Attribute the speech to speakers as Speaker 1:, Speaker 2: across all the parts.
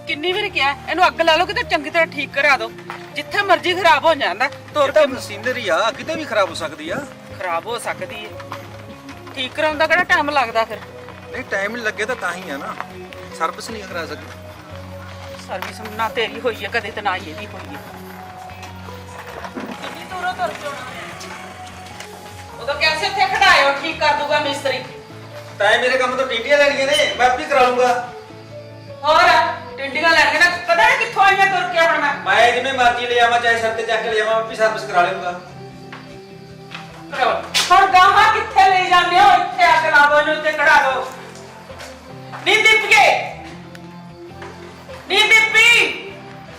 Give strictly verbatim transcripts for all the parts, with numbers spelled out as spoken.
Speaker 1: ਕਿੰਨੀ ਵਾਰ ਕਿਹਾ ਇਹਨੂੰ ਅੱਗ ਲਾ ਲਓ ਕਿਤੇ ਚੰਗੀ ਤਰ੍ਹਾਂ ਠੀਕ ਕਰਾ ਦਿਓ। ਜਿੱਥੇ ਮਰਜ਼ੀ ਖਰਾਬ ਹੋ ਜਾਂਦਾ ਤੁਰ ਕੇ।
Speaker 2: ਮਸ਼ੀਨਰੀ ਆ ਕਿਤੇ ਵੀ ਖਰਾਬ ਹੋ ਸਕਦੀ ਆ।
Speaker 1: ਖਰਾਬ ਹੋ ਸਕਦੀ ਹੈ, ਠੀਕ ਕਰਾਉਣ ਦਾ ਕਿਹੜਾ ਟਾਈਮ ਲੱਗਦਾ ਫਿਰ?
Speaker 2: ਨਹੀਂ ਟਾਈਮ ਨਹੀਂ ਲੱਗੇ ਤਾਂ ਤਾਂ ਹੀ ਆ ਨਾ, ਸਰਵਿਸ ਨਹੀਂ ਕਰਾ ਸਕਦੀ।
Speaker 1: ਸਰਵਿਸ ਨਾ ਤੇਰੀ ਹੋਈ ਹੈ ਕਦੇ ਤੇ ਨਾ ਹੀ ਇਹਦੀ ਹੋਈ ਹੈ। ਕਿੰਨੀ ਦੂਰੋਂ ਤੁਰ ਕੇ ਆਉਣਾ ਉਦੋਂ ਕੈਸੇ ਇੱਥੇ ਖੜਾਇਓ, ਠੀਕ ਕਰ ਦੂਗਾ ਮਿਸਤਰੀ।
Speaker 2: ਤਾਂ ਮੇਰੇ ਕੰਮ ਤੋਂ ਟੀਟੀਆਂ ਲੈਣੀਆਂ ਨੇ, ਮੈਂ ਆਪੇ ਕਰਾ ਲੂੰਗਾ।
Speaker 1: ਹੋਰ ਟਿੰਡੀਆਂ ਲੈਣਗੇ ਨਾ, ਪਤਾ ਨਹੀਂ ਕਿੱਥੋਂ ਆਈਆਂ ਤੁਰ ਕੇ ਹੁਣ ਮੈਂ।
Speaker 2: ਮੈਂ ਜਿਵੇਂ ਮਰਜ਼ੀ ਲੈ ਆਵਾਂ, ਚਾਹੇ ਸਿਰ ਤੇ ਚੱਕ ਕੇ ਲੈ ਆਵਾਂ, ਆਪੇ ਸਰਵਿਸ ਕਰਾ ਲੂੰਗਾ।
Speaker 1: ਹੁਣ ਗਾਹਾਂ ਕਿੱਥੇ ਲੈ ਜਾਂਦੇ ਹੋ? ਇੱਥੇ ਅੱਗ ਲਾ ਦੋ, ਇਹਨੂੰ ਉੱਤੇ ਕਢਾ ਦੋ। ਨੀ ਦੀਪੀਏ, ਨੀ ਦੀਪੀ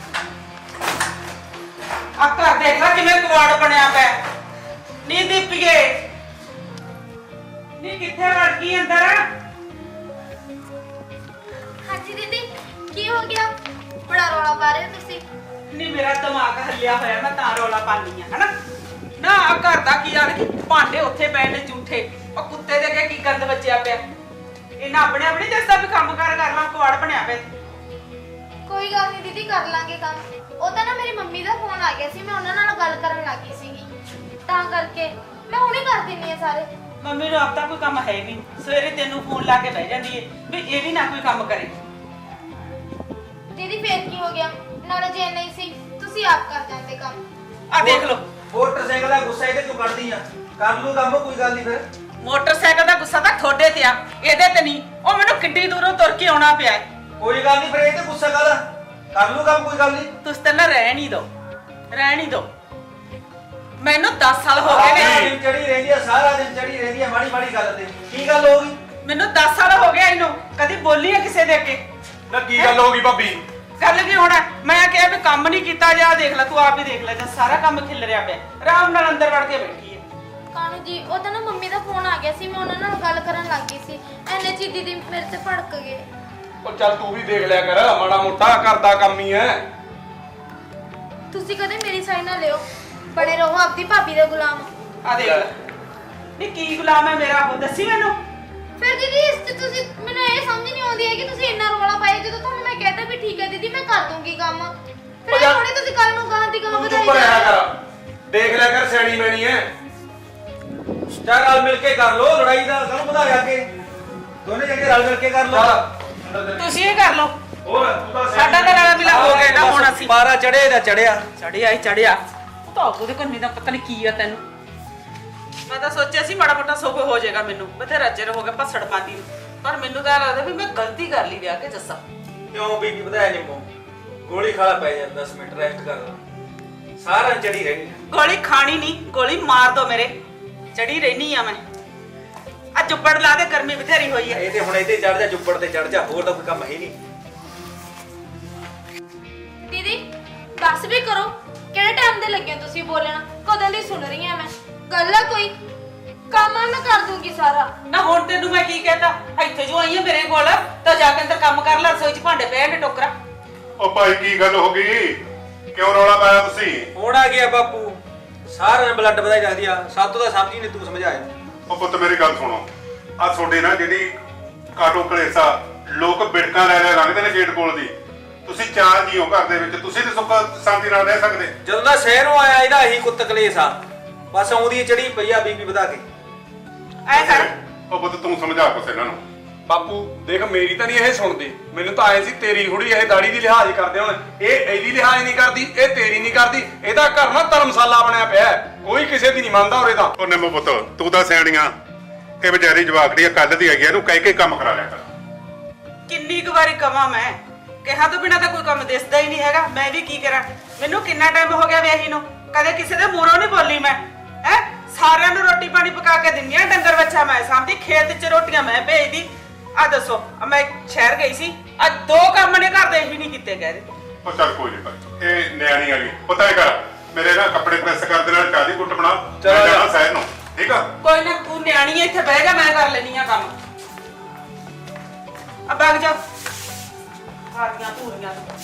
Speaker 1: ਆ ਘਰ ਦੇਖ ਲੈ ਕਿਵੇਂ ਕਵਾੜ ਬਣਿਆ ਪਿਆ। ਨੀ ਦੀਪੀਏ, ਨੀ ਕਿੱਥੇ ਵੜ ਗਈ ਅੰਦਰ?
Speaker 3: ਹਾਂਜੀ ਦੀਦੀ, ਕੀ ਹੋ ਗਿਆ? ਬੜਾ ਰੌਲਾ ਪਾ ਰਹੇ ਹੋ ਤੁਸੀਂ।
Speaker 1: ਨੀ ਮੇਰਾ ਦਿਮਾਗ ਹੱਲਿਆ ਹੋਇਆ, ਮੈਂ ਤਾਂ ਰੌਲਾ ਪਾਨੀ ਆ ਹਨਾ। ਨਾ ਆ ਘਰ ਦਾ ਕੀ ਯਾਰ, ਕਿ ਭਾਂਡੇ ਉੱਥੇ ਪਏ ਨੇ ਝੂਠੇ, ਉਹ ਕੁੱਤੇ ਦੇ ਅੱਗੇ ਕੀ ਗੰਦ ਬਚਿਆ ਪਿਆ। ਇਹਨਾਂ ਆਪਣੇ ਆਪਣੇ ਦੱਸਦਾ ਵੀ ਕੰਮ ਕਾਰ ਕਰ ਲਾਂ, ਕਵਾੜ ਬਣਿਆ ਪਿਆ।
Speaker 3: ਕੋਈ ਗੱਲ ਨਹੀਂ ਦੀਦੀ, ਕਰ ਲਾਂਗੇ ਕੰਮ। ਉਹ ਤਾਂ ਨਾ ਮੇਰੀ ਮੰਮੀ ਦਾ ਫੋਨ ਆ ਗਿਆ ਸੀ, ਮੈਂ ਉਹਨਾਂ ਨਾਲ ਗੱਲ ਕਰਨ ਲੱਗੀ ਸੀਗੀ, ਤਾਂ ਕਰਕੇ ਮੈਂ ਹੁਣੇ ਕਰ ਦਿੰਨੀ ਆ ਸਾਰੇ।
Speaker 1: ਮੰਮੀ ਨੂੰ ਆਪ ਤਾਂ ਕੋਈ ਕੰਮ ਹੈ ਨਹੀਂ, ਸਵੇਰੇ ਤੈਨੂੰ ਫੋਨ ਲਾ ਕੇ ਬਹਿ ਜਾਂਦੀ ਏ ਵੀ ਇਹ ਵੀ ਨਾ ਕੋਈ ਕੰਮ ਕਰੇ।
Speaker 3: ਦੀਦੀ ਫੇਰ ਕੀ ਹੋ ਗਿਆ? ਨਾਲੇ ਜੇ ਨਹੀਂ ਸੀ ਤੁਸੀਂ ਆਪ ਕਰ ਜਾਂਦੇ ਕੰਮ।
Speaker 1: ਆ ਦੇਖ ਲਓ,
Speaker 2: ਮੋਟਰਸਾਈਕਲ ਦਾ ਗੁੱਸਾ ਇਹਦੇ ਕਿਉਂ ਕੱਢਦੀ ਆ? ਕਰ ਲੂ ਕੰਮ, ਕੋਈ ਗੱਲ ਨਹੀਂ। ਫਿਰ
Speaker 1: ਮੋਟਰਸਾਈਕਲ ਦਾ ਗੁੱਸਾ ਤਾਂ ਤੁਹਾਡੇ ਤੇ ਆ, ਇਹਦੇ ਤੇ ਨਹੀਂ। ਉਹ ਮੈਨੂੰ ਕਿੱਡੀ ਦੂਰੋਂ ਤੁਰ ਕੇ ਆਉਣਾ ਪਿਆ।
Speaker 2: ਕੋਈ ਗੱਲ ਨਹੀਂ, ਫਿਰ ਇਹ ਤੇ ਗੁੱਸਾ ਕਰ ਕਰ ਲੂ ਕੰਮ, ਕੋਈ ਗੱਲ ਨਹੀਂ।
Speaker 1: ਤੁਸੀਂ ਤਾਂ ਨਾ ਰਹਿਣ ਹੀ ਦਿਓ, ਰਹਿਣ ਹੀ ਦਿਓ। ਮੈਨੂੰ ਦਸ ਸਾਲ ਹੋ ਗਏ ਨੇ,
Speaker 2: ਚੜੀ ਰਹਿੰਦੀ ਆ, ਸਾਰਾ ਦਿਨ ਚੜੀ ਰਹਿੰਦੀ ਆ ਮਾੜੀ ਮਾੜੀ ਗੱਲ ਤੇ। ਕੀ ਗੱਲ ਹੋ ਗਈ?
Speaker 1: ਮੈਨੂੰ ਦਸ ਸਾਲ ਹੋ ਗਏ ਇਹਨੂੰ, ਕਦੀ ਬੋਲੀ ਆ ਕਿਸੇ ਦੇ ਅੱਗੇ?
Speaker 4: ਨਾ ਕੀ ਗੱਲ ਹੋ ਗਈ ਭਾਬੀ?
Speaker 1: ਗੱਲ ਕੀ ਹੋਣਾ, ਮੈਂ ਕਿਹਾ ਵੀ ਕੰਮ ਨਹੀਂ ਕੀਤਾ ਜਾ, ਦੇਖ ਲੈ ਤੂੰ ਆਪ ਹੀ ਦੇਖ ਲੈ, ਜਾਂ ਸਾਰਾ ਕੰਮ ਖਿਲ ਰਿਹਾ ਪਿਆ। ਆਰਾਮ ਨਾਲ ਅੰਦਰ ਵੜ ਕੇ ਬੈਠੀ ਹੈ।
Speaker 3: ਕਾਨੂ ਜੀ, ਉਹ ਤਾਂ ਨਾ ਮੰਮੀ ਦਾ ਫੋਨ ਆ ਗਿਆ ਸੀ, ਮੈਂ ਉਹਨਾਂ ਨਾਲ ਗੱਲ ਕਰਨ ਲੱਗੀ ਸੀ, ਐਨੇ ਚ ਦੀਦੀ ਮੇਰੇ ਤੇ ਭੜਕ ਗਏ।
Speaker 4: ਉਹ ਚੱਲ ਤੂੰ ਵੀ ਦੇਖ ਲਿਆ ਕਰ, ਮਾੜਾ ਮੋਟਾ ਘਰ ਦਾ ਕੰਮ ਹੀ ਹੈ।
Speaker 3: ਤੁਸੀਂ ਕਦੇ ਮੇਰੀ ਸਾਈਡ ਨਾ ਲਿਓ, ਬੜੇ ਰਹੋ ਆਪਦੀ ਭਾਬੀ ਦੇ ਗੁਲਾਮ।
Speaker 1: ਆ ਦੇਖ ਲੈ, ਨਹੀਂ ਕੀ ਗੁਲਾਮ ਹੈ ਮੇਰਾ ਉਹ, ਦੱਸੀ ਮੈਨੂੰ।
Speaker 3: ਫਿਰ ਦੀਦੀ ਇਸ ਤੇ ਤੁਸੀਂ, ਮੈਨੂੰ ਇਹ ਸਮਝ ਨਹੀਂ ਆਉਂਦੀ ਹੈ ਕਿ ਤੁਸੀਂ ਇੰਨਾ ਰੌਲਾ ਪਾਇਆ, ਜਦੋਂ ਤੁਹਾਨੂੰ ਮੈਂ ਕਹਿਤਾ ਵੀ ਠੀਕ ਹੈ ਦੀਦੀ ਮੈਂ ਕਰ ਦੂੰਗੀ ਕੰਮ, ਫਿਰ ਇਹ ਥੋੜੀ ਤੁਸੀਂ ਕੱਲ ਨੂੰ ਗਾਂ ਦੀ ਗਾਂ
Speaker 4: ਤੂੰ
Speaker 3: ਵਧਾਈ
Speaker 4: ਚੁੱਪ ਰਿਹਾ
Speaker 3: ਜਾਓ।
Speaker 4: ਕਰ, ਦੇਖ ਲਿਆ ਕਰ, ਸਿਆਣੀ ਮੈਣੀ ਹੈ।
Speaker 2: ਚਾਰ ਰਲ ਮਿਲ ਕੇ ਕਰ ਲੋ, ਲੜਾਈ ਦਾ ਕੰਮ ਵਧਾਇਆ ਕੇ ਦੋਨੇ ਜਣੇ ਰਲ ਮਿਲ ਕੇ ਕਰ ਲੋ।
Speaker 1: ਤੁਸੀਂ ਇਹ ਕਰ ਲਓ,
Speaker 4: ਹੋਰ ਤੂੰ ਤਾਂ
Speaker 1: ਸਾਡਾ ਤਾਂ ਰਲਾ ਮਿਲਾ ਹੋ ਗਿਆ ਨਾ। ਹੁਣ ਅਸੀਂ
Speaker 2: ਪਾਰਾ ਚੜੇ ਦਾ ਚੜਿਆ
Speaker 1: ਚੜਿਆ ਹੀ ਚੜਿਆ। ਤਾਂ ਉਹਦੇ ਕੰਨੀ ਦਾ ਪਤਾ ਨਹੀਂ ਕੀ ਆ ਤੈਨੂੰ। ਮੈਂ ਤਾਂ ਸੋਚਿਆ ਸੀ ਮਾੜਾ ਮੋਟਾ ਸੁੱਖ ਹੋ ਜਾਏਗਾ ਮੈਨੂੰ, ਬਥੇਰਾ ਚਿਰ ਹੋ ਗਿਆ ਭਸੜ ਪਾਉਂਦੀ ਨੂੰ, ਪਰ ਮੈਨੂੰ ਤਾਂ ਲੱਗਦਾ ਵੀ ਮੈਂ ਗਲਤੀ ਕਰ ਲਈ ਵਿਆਹ ਕੇ ਜੱਸਾ।
Speaker 2: ਕਿਉਂ ਬੀਬੀ ਵਧਾਇਆ ਨਿੰਮੋ? ਗੋਲੀ ਖਾਲਾ ਪੈ ਜਾ, ਦਸ ਮਿੰਟ ਰੈਸਟ ਕਰ ਲਾ, ਸਾਰਾ ਚੜੀ ਰਹਿਣੀ।
Speaker 1: ਗੋਲੀ ਖਾਣੀ ਨਹੀਂ, ਗੋਲੀ ਮਾਰ ਦੋ ਮੇਰੇ, ਚੜੀ ਰਹਿਣੀ ਆ ਮੈਂ। ਆ ਚੁੱਪੜ ਲਾ ਦੇ, ਗਰਮੀ ਬਥੇਰੀ ਹੋਈ ਆ।
Speaker 2: ਇਹ ਤੇ ਹੁਣ ਇੱਥੇ ਚੜ ਜਾ, ਚੁੱਪੜ ਤੇ ਚੜ ਜਾ, ਹੋਰ ਤਾਂ ਕੋਈ ਕੰਮ ਹੈ ਨਹੀਂ।
Speaker 3: ਦੀਦੀ ਦੱਸ ਵੀ ਕਰੋ, ਕਿਹੜੇ ਟਾਈਮ ਦੇ ਲੱਗੇ ਹੋ ਤੁਸੀਂ ਬੋਲਣਾ? ਕਦੋਂ ਦੀ ਸੁਣ ਰਹੀ ਹਾਂ ਮੈਂ, ਗੱਲ ਆ ਕੋਈ? ਕੰਮ ਆ ਮੈਂ ਕਰ ਦੂੰਗੀ ਸਾਰਾ।
Speaker 1: ਨਾ ਹੁਣ ਤੈਨੂੰ ਮੈਂ ਕੀ ਕਹਿਤਾ? ਇੱਥੇ ਜੋ ਆਈ ਆ ਮੇਰੇ ਕੋਲ, ਤਾਂ ਜਾ ਕੇ ਅੰਦਰ ਕੰਮ ਕਰ ਲੈ, ਰਸੋਈ 'ਚ ਭਾਂਡੇ ਪਏ ਨੇ ਟੋਕਰਾ।
Speaker 4: ਉਹ ਭਾਈ ਕੀ ਗੱਲ ਹੋ ਗਈ? ਕਿਉਂ ਰੌਲਾ ਪਾਇਆ ਤੁਸੀਂ?
Speaker 2: ਹੁਣ ਆ ਗਿਆ ਬਾਪੂ, ਸਾਰਾ ਬਲੱਡ ਵਧਾਈ ਜਾਂਦੀ ਆ, ਸਾਤੋਂ ਤਾਂ ਸਮਝ ਹੀ ਨਹੀਂ, ਤੂੰ ਸਮਝਾਇਆ।
Speaker 4: ਉਹ ਪੁੱਤ ਮੇਰੀ ਗੱਲ ਸੁਣੋ, ਆ ਤੁਹਾਡੇ ਨਾ ਜਿਹੜੀ ਕਾਟੋ ਕਲੇਸਾ, ਲੋਕ ਬਿੜਕਾਂ ਲੈ ਲੈ ਲੰਘਦੇ ਨੇ ਗੇਟ ਕੋਲ ਦੀ, ਤੁਸੀਂ ਚਾਰ ਜੀ ਹੋ ਘਰ ਦੇ ਵਿੱਚ, ਤੁਸੀਂ ਤੇ ਸੁੱਖ ਸ਼ਾਂਤੀ ਨਾਲ ਰਹਿ ਸਕਦੇ?
Speaker 2: ਜਦੋਂ ਦਾ ਸ਼ਹਿਰੋਂ ਆਇਆ ਇਹਦਾ ਇਹੀ ਕੁੱਤ ਕਲੇਸ਼ ਆ, ਬਸ ਆਉਂਦੀ ਚੜੀ ਪਈ ਆ ਬੀਬੀ ਵਧਾ ਕੇ।
Speaker 1: ਐ ਕਰ,
Speaker 4: ਉਹ ਪੁੱਤ ਤੂੰ ਸਮਝਾ ਕੁਛ ਇਹਨਾਂ ਨੂੰ। ਬਾਪੂ ਦੇਖ, ਮੇਰੀ ਤਾਂ ਨਹੀਂ ਇਹ ਸੁਣਦੇ, ਮੈਨੂੰ ਤਾਂ ਆਏ ਸੀ ਤੇਰੀ ਹੁੜੀ ਇਹ ਦਾੜੀ ਦੀ ਲਿਹਾਜ਼ ਕਰਦੇ ਹੁਣ, ਇਹ ਇਹਦੀ ਲਿਹਾਜ਼ ਨਹੀਂ ਕਰਦੀ, ਇਹ ਤੇਰੀ ਨਹੀਂ ਕਰਦੀ। ਇਹਦਾ ਘਰ ਨਾ ਧਰਮਸ਼ਾਲਾ ਬਣਿਆ ਪਿਆ, ਕੋਈ ਕਿਸੇ ਦੀ ਨਹੀਂ ਮੰਨਦਾ ਉਰੇ ਤਾਂ। ਉਹ ਨਿੰਮੋ ਪੁੱਤ ਤੂੰ ਤਾਂ ਸਿਆਣੀਆਂ, ਇਹ ਵਿਚਾਰੀ ਜਵਾਕੜੀ ਕੱਲ ਦੀ ਹੈਗੀ, ਇਹਨੂੰ ਕਹਿ ਕੇ ਕੰਮ ਕਰਾ ਲਿਆ ਕਰ।
Speaker 1: ਕਿੰਨੀ ਕੁ ਵਾਰੀ ਕਵਾਂ ਮੈਂ, ਕਿਹਾ ਤੋਂ ਬਿਨਾ ਤਾਂ ਕੋਈ ਕੰਮ ਦਿਸਦਾ ਹੀ ਨਹੀਂ ਹੈਗਾ। ਮੈਂ ਵੀ ਕੀ ਕਰਾਂ, ਮੈਨੂੰ ਕਿੰਨਾ ਟਾਈਮ ਹੋ ਗਿਆ ਵਿਆਹੀ ਨੂੰ, ਕਦੇ ਕਿਸੇ ਦੇ ਮੂਹਰੋਂ ਨਹੀਂ ਬੋਲੀ ਮੈਂ। ਹੈ ਸਾਰਿਆਂ ਨੂੰ ਰੋਟੀ ਪਾਣੀ ਪਕਾ ਕੇ ਦਿੰਨੀ ਆ, ਡੰਗਰ ਬੱਚਾ ਮੈਂ ਸਾਂਭਦੀ, ਖੇਤ 'ਚ ਰੋਟੀਆਂ ਮੈਂ ਭੇਜਦੀ। ਆ ਦੱਸੋ, ਮੈਂ ਸ਼ਹਿਰ ਗਈ ਸੀ, ਆ ਦੋ ਕੰਮ ਨੇ ਘਰ ਦੇ ਹੀ ਨਹੀਂ ਕੀਤੇ ਗਏ।
Speaker 4: ਉਹ ਚੱਲ ਕੋਈ ਨਹੀਂ ਭਾਈ, ਇਹ ਨਿਆਣੀ ਵਾਲੀ ਪਤਾ ਹੈ ਕਰ, ਮੇਰੇ ਨਾ ਕੱਪੜੇ ਪ੍ਰੈਸ ਕਰ ਦੇ ਨਾਲ ਚਾਹ ਦੀ ਘੁੱਟ ਬਣਾ, ਮੈਂ ਜਾਣਾ ਸ਼ਹਿਰ ਨੂੰ, ਠੀਕ ਆ?
Speaker 1: ਕੋਈ ਨਾ, ਤੂੰ ਨਿਆਣੀ ਐ, ਇੱਥੇ ਬਹਿ ਜਾ, ਮੈਂ ਕਰ ਲੈਣੀ ਆ ਕੰਮ। ਆ ਬਗ ਜਾ, ਸਾਰੀਆਂ ਧੂਰੀਆਂ ਤੋਂ।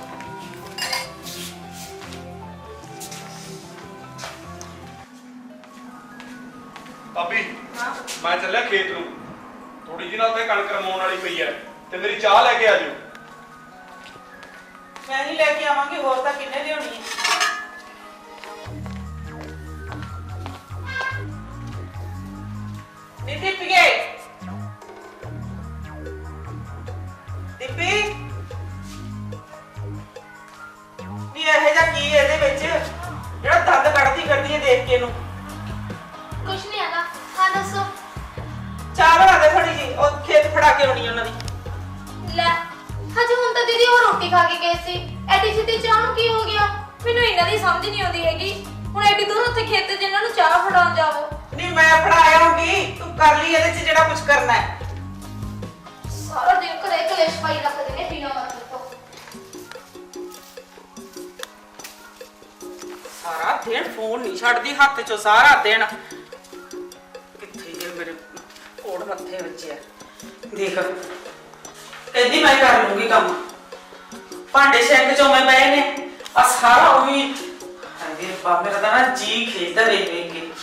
Speaker 4: ਭਾਬੀ ਮੈਂ ਚੱਲਿਆ ਖੇਤ ਨੂੰ, ਥੋੜੀ ਜਿਹੀ ਨਾਲ ਤੇ ਕਣਕ ਰਮਾਉਣ ਵਾਲੀ ਪਈ ਐ, ਤੇ ਮੇਰੀ ਚਾਹ ਲੈ ਕੇ ਆ ਜਿਓ।
Speaker 1: ਮੈਂ ਹੀ ਲੈ ਕੇ ਆਵਾਂਗੀ, ਹੋਰ ਤਾਂ ਕਿੰਨੇ ਲਿਆਉਣੀ ਹੈ। ਨੀ ਦੀਪੀਏ, ਦੀਪੀ ਨੀ ਇਹ ਜਿਹਾ ਕੀ ਹੈ ਇਹਦੇ ਵਿੱਚ ਜਿਹੜਾ ਦੰਦ ਕੱਢਦੀ ਕਰਦੀ ਹੈ ਦੇਖ ਕੇ ਇਹਨੂੰ।
Speaker 3: ਕੁਛ ਨਹੀਂ ਹੈਗਾ। ਹਾਂ ਦੱਸੋ।
Speaker 1: ਚਾਹ ਬਣਾ ਦੇ ਥੋੜੀ ਜੀ, ਉਹ ਖੇਤ ਫੜਾ ਕੇ ਆਉਣੀ ਉਹਨਾਂ ਦੀ।
Speaker 3: ਲੈ ਹਜੇ ਹੁਣ ਤਾਂ ਦੀਦੀ ਉਹ ਰੋਟੀ ਖਾ ਕੇ ਗਏ ਸੀ, ਐਡੀ ਛੇਤੀ ਚਾਹ ਨੂੰ ਕੀ ਹੋ ਗਿਆ? ਮੈਨੂੰ ਇਹਨਾਂ ਦੀ ਸਮਝ ਨਹੀਂ ਆਉਂਦੀ ਹੈਗੀ। ਹੁਣ ਐਡੀ ਦੂਰ ਉੱਥੇ ਖੇਤ 'ਚ ਇਹਨਾਂ ਨੂੰ ਚਾਹ ਫੜਾਉਣ ਜਾਵੋ।
Speaker 1: ਨਹੀਂ ਮੈਂ ਫੜਾ ਆਉਂਗੀ, ਤੂੰ ਕਰ ਲਈ ਇਹਦੇ 'ਚ ਜਿਹੜਾ ਕੁਝ ਕਰਨਾ ਹੈ।
Speaker 3: ਸਾਰਾ ਦਿਨ ਘਰੇ ਕਲੇਸ਼ ਪਾਈ ਰੱਖਦੇ ਨੇ ਬਿਨਾਂ ਮਤਲਬ ਤੋਂ।
Speaker 1: ਸਾਰਾ ਦਿਨ ਫੋਨ ਨਹੀਂ ਛੱਡਦੀ ਹੱਥ 'ਚੋਂ, ਸਾਰਾ ਦਿਨ ਕਿੱਥੇ ਜੇ ਮੇਰੇ ਕੋੜ ਮੱਥੇ ਵੱਜਿਆ। ਦੇਖ ਕਹਿੰਦੀ ਮੈਂ ਕਰ ਲੂੰਗੀ ਕੰਮ, ਭਾਂਡੇ ਸ਼ੈਂਕ 'ਚੋਂ ਮੈਂ ਪਏ ਨੇ ਆ ਸਾਰਾ ਉਹੀ। ਹਾਏ ਬਾਬੇ ਦਾ ਨਾ ਜੀ ਖੇਡਦਾ ਵੇਖ ਵੇਖ ਕੇ।